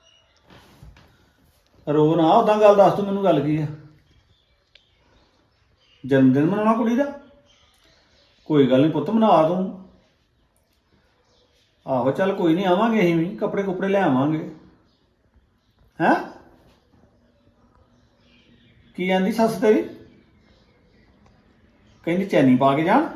S6: ਰੋ ਨਾ, ਉਦਾਂ ਗੱਲ ਦੱਸ, ਤੂੰ ਮੈਨੂੰ ਗੱਲ ਕੀ ਆ? ਜਨਮ ਦਿਨ ਮਨਾਉਣਾ ਕੁੜੀ ਦਾ? ਕੋਈ ਗੱਲ ਨਹੀਂ ਪੁੱਤ, ਮਨਾ ਤੂੰ। ਆਹੋ ਚੱਲ ਕੋਈ ਨਹੀਂ, ਆਵਾਂਗੇ ਅਸੀਂ ਵੀ, ਕੱਪੜੇ ਕੁੱਪੜੇ ਲੈ ਆਵਾਂਗੇ। ਹੈਂ, ਕੀ ਆਂਦੀ ਸੱਸ ਤੇਰੀ? ਕਹਿੰਦੀ ਚੈਨੀ ਪਾ ਕੇ ਜਾਣ।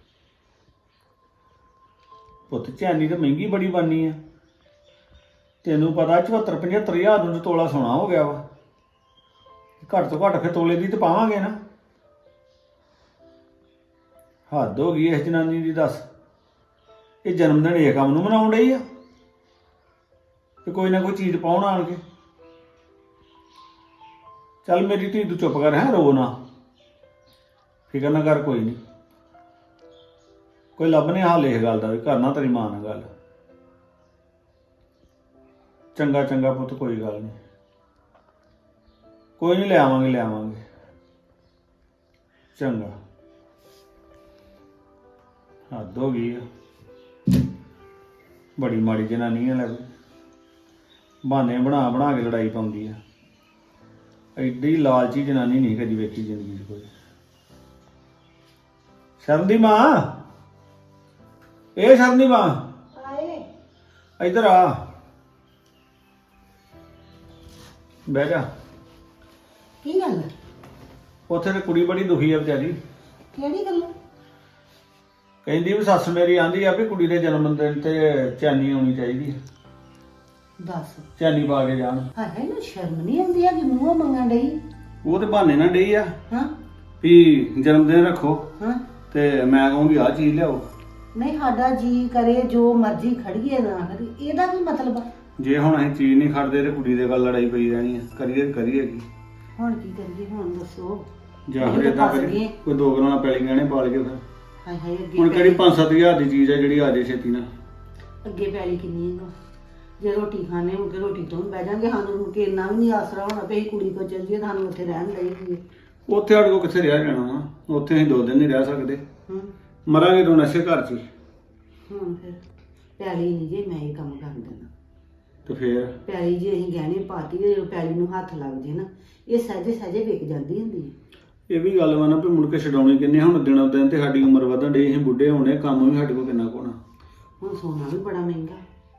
S6: ਪੁੱਤ ਚੈਨੀ ਤਾਂ ਮਹਿੰਗੀ ਬੜੀ ਬਣਨੀ ਆ, ਤੈਨੂੰ ਪਤਾ 74-75 ਹਜ਼ਾਰ ਨੂੰ ਤੋਲਾ ਸੋਨਾ ਹੋ ਗਿਆ ਵਾ। ਘੱਟ ਤੋਂ ਘੱਟ ਫਿਰ ਤੋਲੇ ਦੀ ਤਾਂ ਪਾਵਾਂਗੇ ਨਾ। ਹੱਦ ਹੋ ਗਈ ਇਸ ਜਨਾਨੀ ਦੀ, ਦੱਸ। ਇਹ ਜਨਮ ਦਿਨ ਇਹ ਕੰਮ ਨੂੰ ਮਨਾਉਣ ਡਈ ਆ, ਤੇ ਕੋਈ ਨਾ ਕੋਈ ਚੀਜ਼ ਪਾਉਣ ਆਣ ਕੇ। ਚੱਲ ਮੇਰੀ ਧੀ ਤੂੰ ਚੁੱਪ ਕਰ, ਹੈ ਰੋ ਨਾ, ਫਿਕਰ ਨਾ ਕਰ, ਕੋਈ ਨਹੀਂ, ਕੋਈ ਲੱਭਨੇ ਹਾਲ ਇਸ ਗੱਲ ਦਾ ਵੀ ਕਰਨਾ ਤੇਰੀ ਮਾਂ ਨਾਲ ਗੱਲ। ਚੰਗਾ ਚੰਗਾ ਪੁੱਤ, ਕੋਈ ਗੱਲ ਨਹੀਂ, ਕੋਈ ਨਹੀਂ, ਲੈ ਆਵਾਂਗੇ। ਚੰਗਾ। ਹੱਦ ਹੋ ਗਈ ਆ, ਬੜੀ ਮਾੜੀ ਜਨਾਨੀ ਆ। ਲੈ ਬਹਾਨੇ ਬਣਾ ਬਣਾ ਕੇ ਲੜਾਈ ਪਾਉਂਦੀ ਆ। ਐਡੀ ਲਾਲਚੀ ਜਨਾਨੀ ਨਹੀਂ ਕਦੀ ਵੇਖੀ ਜ਼ਿੰਦਗੀ 'ਚ ਕੋਈ। ਸ਼ਰਨ ਦੀ ਮਾਂ, ਇਹ ਸ਼ਰਨ ਦੀ ਮਾਂ, ਇੱਧਰ ਆ, ਬਹਿ ਜਾ।
S7: ਕੀ ਗੱਲ?
S6: ਉੱਥੇ ਤੇ ਕੁੜੀ ਬੜੀ ਦੁਖੀ ਆ ਵਿਚਾਰੀ।
S7: ਕਿਹੜੀ ਗੱਲ?
S6: ਕਹਿੰਦੀ ਵੀ ਸੱਸ ਮੇਰੀ ਆਂਦੀ ਆ ਵੀ ਕੁੜੀ ਦੇ ਜਨਮ ਦਿਨ ਤੇ ਚੈਨੀ ਆਉਣੀ ਚਾਹੀਦੀ ਆ,
S7: ਦੱਸ।
S6: ਚੈਨੀ ਪਾ ਕੇ ਜਾਣ।
S7: ਹਾਏ ਇਹਨੂੰ ਸ਼ਰਮ ਨਹੀਂ ਆਉਂਦੀ ਆ ਕਿ ਮੂੰਹੋਂ ਮੰਗਣ ਡਈ?
S6: ਉਹ ਤੇ ਬਹਾਨੇ ਨਾਲ ਡਈ ਆ
S7: ਹਾਂ
S6: ਵੀ ਜਨਮ ਦਿਨ ਰੱਖੋ,
S7: ਹਾਂ।
S6: ਤੇ ਮੈਂ ਕਹੂੰਗੀ ਆਹ ਚੀਜ਼ ਲਿਆਓ।
S7: ਨਹੀਂ, ਸਾਡਾ ਜੀ ਕਰੇ ਜੋ ਮਰਜ਼ੀ ਖੜੀਏ ਨਾ ਖੜੀਏ, ਇਹਦਾ ਕੀ ਮਤਲਬ ਆ?
S6: ਜੇ ਹੁਣ ਅਸੀਂ ਚੀਜ਼ ਨਹੀਂ ਖੜਦੇ ਤੇ ਕੁੜੀ ਦੇ ਗੱਲ ਲੜਾਈ ਪਈ ਰਹਿਣੀ ਆ। ਕਰੀਏ ਕੀ?
S7: ਹੁਣ ਕੀ ਕਰੀਏ, ਹੁਣ ਦੱਸੋ।
S6: ਜਾਂ
S7: ਅਸੀਂ
S6: ਫਿਰ
S7: ਤਾਂ
S6: ਏਦਾਂ
S7: ਫਸ
S6: ਕਰੀਏ,
S7: ਗਏ।
S6: ਕੋਈ ਦੋ ਗਰਾਣਾ ਪੈਲੀ ਗਹਿਣੇ ਪਾਲ ਕੇ ਫਿਰ।
S7: ਹਾਏ ਹਾਏ,
S6: ਹੁਣ
S7: ਅੱਗੇ
S6: ਕਿਹੜੀ 5-7 ਹਜ਼ਾਰ ਦੀ ਚੀਜ਼ ਆ ਜਿਹੜੀ ਆ ਜੇ ਛੇਤੀ ਨਾਲ?
S7: ਅੱਗੇ ਪੈਲੀ ਕਿੰਨੀ ਹੈ? ਜੇ ਰੋਟੀ ਖਾਣੇ ਮੁੜ ਕੇ ਰੋਟੀ ਤੋਂ ਵੀ ਬਹਿ ਜਾਾਂਗੇ, ਸਾਨੂੰ ਮੁੜ ਕੇ ਇੰਨਾ ਵੀ ਨਹੀਂ ਆਸਰਾ ਹੋਣਾ ਵੀ ਅਸੀਂ ਕੁੜੀ ਕੋਲ ਚੱਲ ਜੀਏ, ਸਾਨੂੰ ਉੱਥੇ ਰਹਿਣ ਲਈ।
S6: ਉੱਥੇ ਸਾਡੇ ਕੋਲ ਕਿੱਥੇ ਰਿਹਾ ਜਾਣਾ ਵਾ? ਉੱਥੇ ਅਸੀਂ 2 ਦਿਨ ਨਹੀਂ ਰਹਿ ਸਕਦੇ, ਮਰਾਂਗੇ ਤਾਂ ਨਸ਼ੇ ਘਰ 'ਚ ਹੀ।
S7: ਹੁਣ ਫਿਰ ਪੈਲੀ ਨਹੀਂ ਜੇ ਮੈਂ ਇਹ ਕੰਮ ਕਰ ਦੇਣਾ।
S6: ਤੇ ਫਿਰ
S7: ਪੈਲੀ ਜੇ ਅਸੀਂ ਗਹਿਣੇ ਪਾਤੀ, ਜਦੋਂ ਪੈਲੀ ਨੂੰ ਹੱਥ ਲੱਗ ਜੇ ਨਾ, ਇਹ ਸਹਿਜੇ ਵਿਕ ਜਾਂਦੀ ਹੁੰਦੀ ਹੈ।
S6: ਇਹ ਵੀ ਗੱਲ ਵਾ ਨਾ ਵੀ ਮੁੜ ਕੇ ਛਡਾਉਣੀ ਕਿੰਨੇ? ਹੁਣ ਦਿਨੋਂ ਦਿਨ ਤੇ ਸਾਡੀ ਉਮਰ ਵਧਣ ਡਈ, ਅਸੀਂ ਬੁੱਢੇ ਹੋਣੇ, ਕੰਮ ਵੀ ਸਾਡੇ ਕੋਲ ਕਿੰਨਾ ਕੁ ਹੋਣਾ।
S7: ਹੁਣ ਸੋਨਾ ਵੀ ਬੜਾ ਮਹਿੰਗਾ।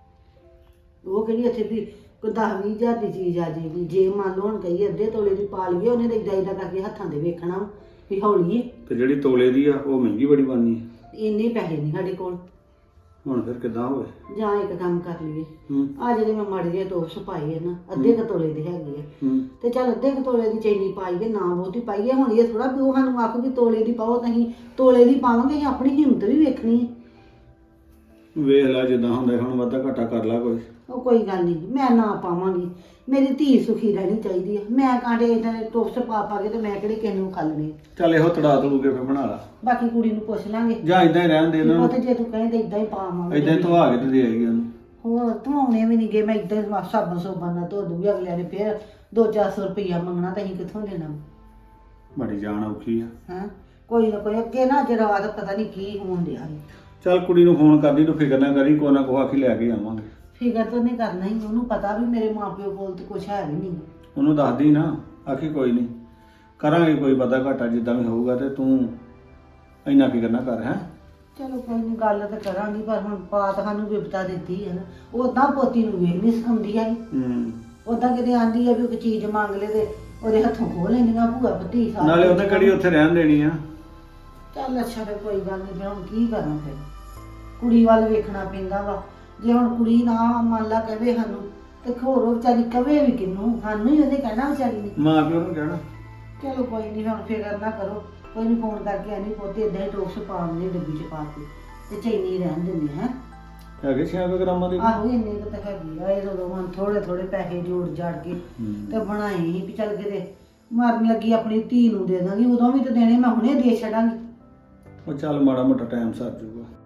S7: ਉਹ ਕਹਿੰਦੀ ਇੱਥੇ ਵੀ ਕੋਈ 10-20 ਹਜ਼ਾਰ ਦੀ ਚੀਜ਼ ਆ ਜਾਏਗੀ। ਜੇ ਮੰਨ ਲਓ ਹੁਣ ਕਹੀਏ ਅੱਧੇ ਤੋਲੇ ਦੀ ਪਾ ਲਈਏ, ਉਹਨੇ ਤਾਂ ਏਦਾਂ ਕਰਕੇ ਹੱਥਾਂ ਦੇ ਵੇਖਣਾ ਵੀ ਹੌਲੀ ਹੈ।
S6: ਤੇ ਜਿਹੜੀ ਤੋਲੇ ਦੀ ਆ ਉਹ ਮਹਿੰਗੀ ਬੜੀ ਬਣਨੀ ਹੈ।
S7: ਇੰਨੇ ਪੈਸੇ ਨਹੀਂ ਸਾਡੇ ਕੋਲ।
S6: ਹੁਣ ਫਿਰ ਕਿੱਦਾਂ ਹੋਵੇ?
S7: ਜਾਂ ਇੱਕ ਕੰਮ ਕਰ ਲਈਏ,
S6: ਹੂੰ
S7: ਆ ਜਿਹੜੇ ਮੈਂ ਮਾੜੇ ਜਿਹੇ ਟੋਪਸ ਪਾਏ ਆ ਨਾ, ਅੱਧੇ ਕੁ ਤੋਲੇ ਦੇ ਹੈਗੇ ਆ,
S6: ਹੂੰ
S7: ਤੇ ਚੱਲ ਅੱਧੇ ਕੁ ਤੋਲੇ ਦੀ ਚੈਨੀ ਪਾਈਏ, ਨਾ ਬਹੁਤੀ ਪਾਈਏ। ਹੁਣ ਇਹ ਥੋੜਾ ਵੀ ਉਹ ਸਾਨੂੰ ਆਖੂ ਵੀ ਤੋਲੇ ਦੀ ਪਾਓ, ਤਾਂ ਅਸੀਂ ਤੋਲੇ ਦੀ ਪਾਵਾਂਗੇ। ਅਸੀਂ ਆਪਣੀ ਹਿੰਮਤ ਵੀ ਵੇਖਣੀ ਹੈ।
S6: ਵੇਖ ਲੈ ਜਿੱਦਾਂ ਹੁੰਦਾ, ਹੁਣ ਵਾਧਾ ਘਾਟਾ ਕਰ ਲਾ ਕੋਈ।
S7: ਉਹ ਕੋਈ ਗੱਲ ਨਹੀਂ, ਮੈਂ ਨਾ ਪਾਵਾਂਗੀ। ਮੇਰੀ ਧੀ ਸੁਖੀ ਰਹਿਣੀ ਚਾਹੀਦੀ ਆ। ਮੈਂ ਕਾਂਡੇ ਇਦਾਂ ਦੇ ਟੋਪਸ ਪਾ ਕੇ ਤੇ ਮੈਂ ਕਿਹੜੇ ਕਿਸੇ ਨੂੰ ਖਾਲਣੇ।
S6: ਚੱਲ ਇਹੋ ਤੜਾ ਤੜੂ ਕੇ ਫਿਰ ਬਣਾ ਲਾ,
S7: ਬਾਕੀ ਕੁੜੀ ਨੂੰ ਪੁੱਛ ਲਾਂਗੇ।
S6: ਜਾਂ ਇਦਾਂ ਹੀ ਰਹਿਣ ਦੇ ਇਹਨਾਂ
S7: ਉਹ ਤੇ
S6: ਨੂੰ,
S7: ਜੇ ਤੂੰ ਕਹੇ ਤੇ ਇਦਾਂ ਹੀ ਪਾਵਾਂਗੇ।
S6: ਇਦਾਂ ਧਵਾ ਕੇ ਤੇ ਦੇ ਆਏਗੀ ਉਹਨੂੰ।
S7: ਹੋਰ ਧਵਾਉਣੇ ਵੀ ਨਹੀਂ ਗਏ, ਮੈਂ ਇਦਾਂ ਹੀ ਸਾਬਣ ਸੋਬਣ ਨਾਲ ਧੋ ਦੂੰਗੀ। ਅਗਲਿਆਂ ਨੇ ਫਿਰ 200-400 ਰੁਪਈਆ ਮੰਗਣਾ, ਤਾਂ ਅਸੀਂ ਕਿੱਥੋਂ ਦੇਣਾ?
S6: ਬੜੀ ਜਾਨ ਔਖੀ ਆ।
S7: ਹਾਂ, ਕੋਈ ਨਾ ਕੋਈ ਅੱਗੇ ਨਾ ਅੱਜ ਰਾਤ ਪਤਾ ਨਹੀਂ ਕੀ ਹੋਣ ਡਿਆ ਸੀ।
S6: ਚੱਲ ਕੁੜੀ ਨੂੰ ਫੋਨ ਕਰਦੀ, ਤੂੰ ਫਿਕਰ ਨਾ ਕਰੀ, ਕੋਈ ਨਾ ਕੋਈ ਆਖੀ ਲੈ ਕੇ ਆਵਾਂਗੇ।
S7: ਫਿਕਰ ਤਾਂ ਉਹਨੇ ਕਰਨਾ ਹੀ, ਉਹਨੂੰ ਪਤਾ ਵੀ ਮੇਰੇ ਮਾਪਿਓ ਕੋਲ ਤੇ ਕੁਛ ਹੈ ਵੀ ਨਹੀਂ।
S6: ਉਹਨੂੰ ਦੱਸਦੀ ਨਾ, ਆਖੀ ਕੋਈ ਨਹੀਂ ਕਰਾਂਗੇ, ਕੋਈ ਵਾਧਾ ਘਾਟਾ ਜਿੱਦਾਂ ਵੀ ਹੋਊਗਾ, ਤੇ ਤੂੰ ਇੰਨਾ ਫਿਕਰ ਨਾ ਕਰ। ਹੈ
S7: ਚਲੋ ਕੋਈ ਨਹੀਂ, ਗੱਲ ਤਾਂ ਕਰਾਂਗੀ, ਪਰ ਹੁਣ ਪਾਤ ਸਾਨੂੰ ਵਿਪਤਾ ਦਿੱਤੀ ਹੈ ਨਾ। ਉਦਾਂ ਪੋਤੀ ਨੂੰ ਵੇਖ ਨਹੀਂ ਸਿਖਾਉਂਦੀ ਹੈ। ਉਦਾਂ ਕਿਤੇ ਆਂਦੀ ਆ ਵੀ ਕੋਈ ਚੀਜ਼ ਮੰਗ ਲੇ ਤੇ ਉਹਦੇ ਹੱਥੋਂ ਖੋਹ ਲੈਂਦੀਆਂ ਭੂਆ ਭਤੀ ਸਾਰੀ
S6: ਨਾਲੇ ਉਹਨੇ ਕਿਹੜੀ ਉੱਥੇ ਰਹਿਣ ਦੇਣੀ ਆ।
S7: ਚੱਲ ਅੱਛਾ ਫਿਰ ਕੋਈ ਗੱਲ ਨਹੀਂ, ਫਿਰ ਹੁਣ ਕੀ ਕਰਾਂ ਫਿਰ ਕੁੜੀ ਵੱਲ ਵੇਖਣਾ ਪੈਂਦਾ ਵਾ। ਜੇ ਹੁਣ ਕੁੜੀ ਨਾ ਮੰਨ ਲਾ ਕਵੇ ਸਾਨੂੰ ਤੇ ਹੋਰ ਉਹ ਵਿਚਾਰੀ ਕਵੇ ਵੀ ਕਿਹਨੂੰ, ਸਾਨੂੰ ਹੀ ਉਹਨੇ ਕਹਿਣਾ ਵਿਚਾਰੀ ਨੇ।
S6: ਮਾਂ ਪਿਓ ਨੂੰ ਕਹਿਣਾ।
S7: ਚਲੋ ਕੋਈ ਨਹੀਂ, ਹੁਣ ਫਿਕਰ ਨਾ ਕਰੋ, ਕੋਈ ਨਹੀਂ ਫੋਨ ਕਰਕੇ ਆਨੀ ਪੋਤੇ ਇਦਾਂ ਹੀ ਟੋਕਸ ਪਾ ਦਿੰਦੇ ਡੱਬੀ ਚ ਪਾ ਕੇ ਤੇ ਚੈਨੀ ਰਹਿਣ ਦਿੰਦੇ ਹੈ।
S6: ਹੈਗੇ 6 ਗ੍ਰਾਮਾਂ ਦੇ।
S7: ਆਹੋ ਇੰਨੇ ਕੁ ਤਾਂ ਹੈਗੀ ਆ, ਇਹ ਉਦੋਂ ਹੁਣ ਥੋੜੇ ਥੋੜੇ ਪੈਸੇ ਜੋੜ ਜਾੜ ਕੇ ਤੇ ਬਣਾਏ ਸੀ ਵੀ ਚੱਲ ਕਿਤੇ ਮਰਨ ਲੱਗੀ ਆਪਣੀ ਧੀ ਨੂੰ ਦੇ ਦਾਂਗੀ, ਉਦੋਂ ਵੀ ਤਾਂ ਦੇਣੇ, ਮੈਂ ਹੁਣੇ ਦੇ ਛੱਡਾਂਗੀ।
S6: ਉਹ ਚੱਲ ਮਾੜਾ ਮੋਟਾ ਟਾਈਮ ਸਰ ਜਾਊਗਾ।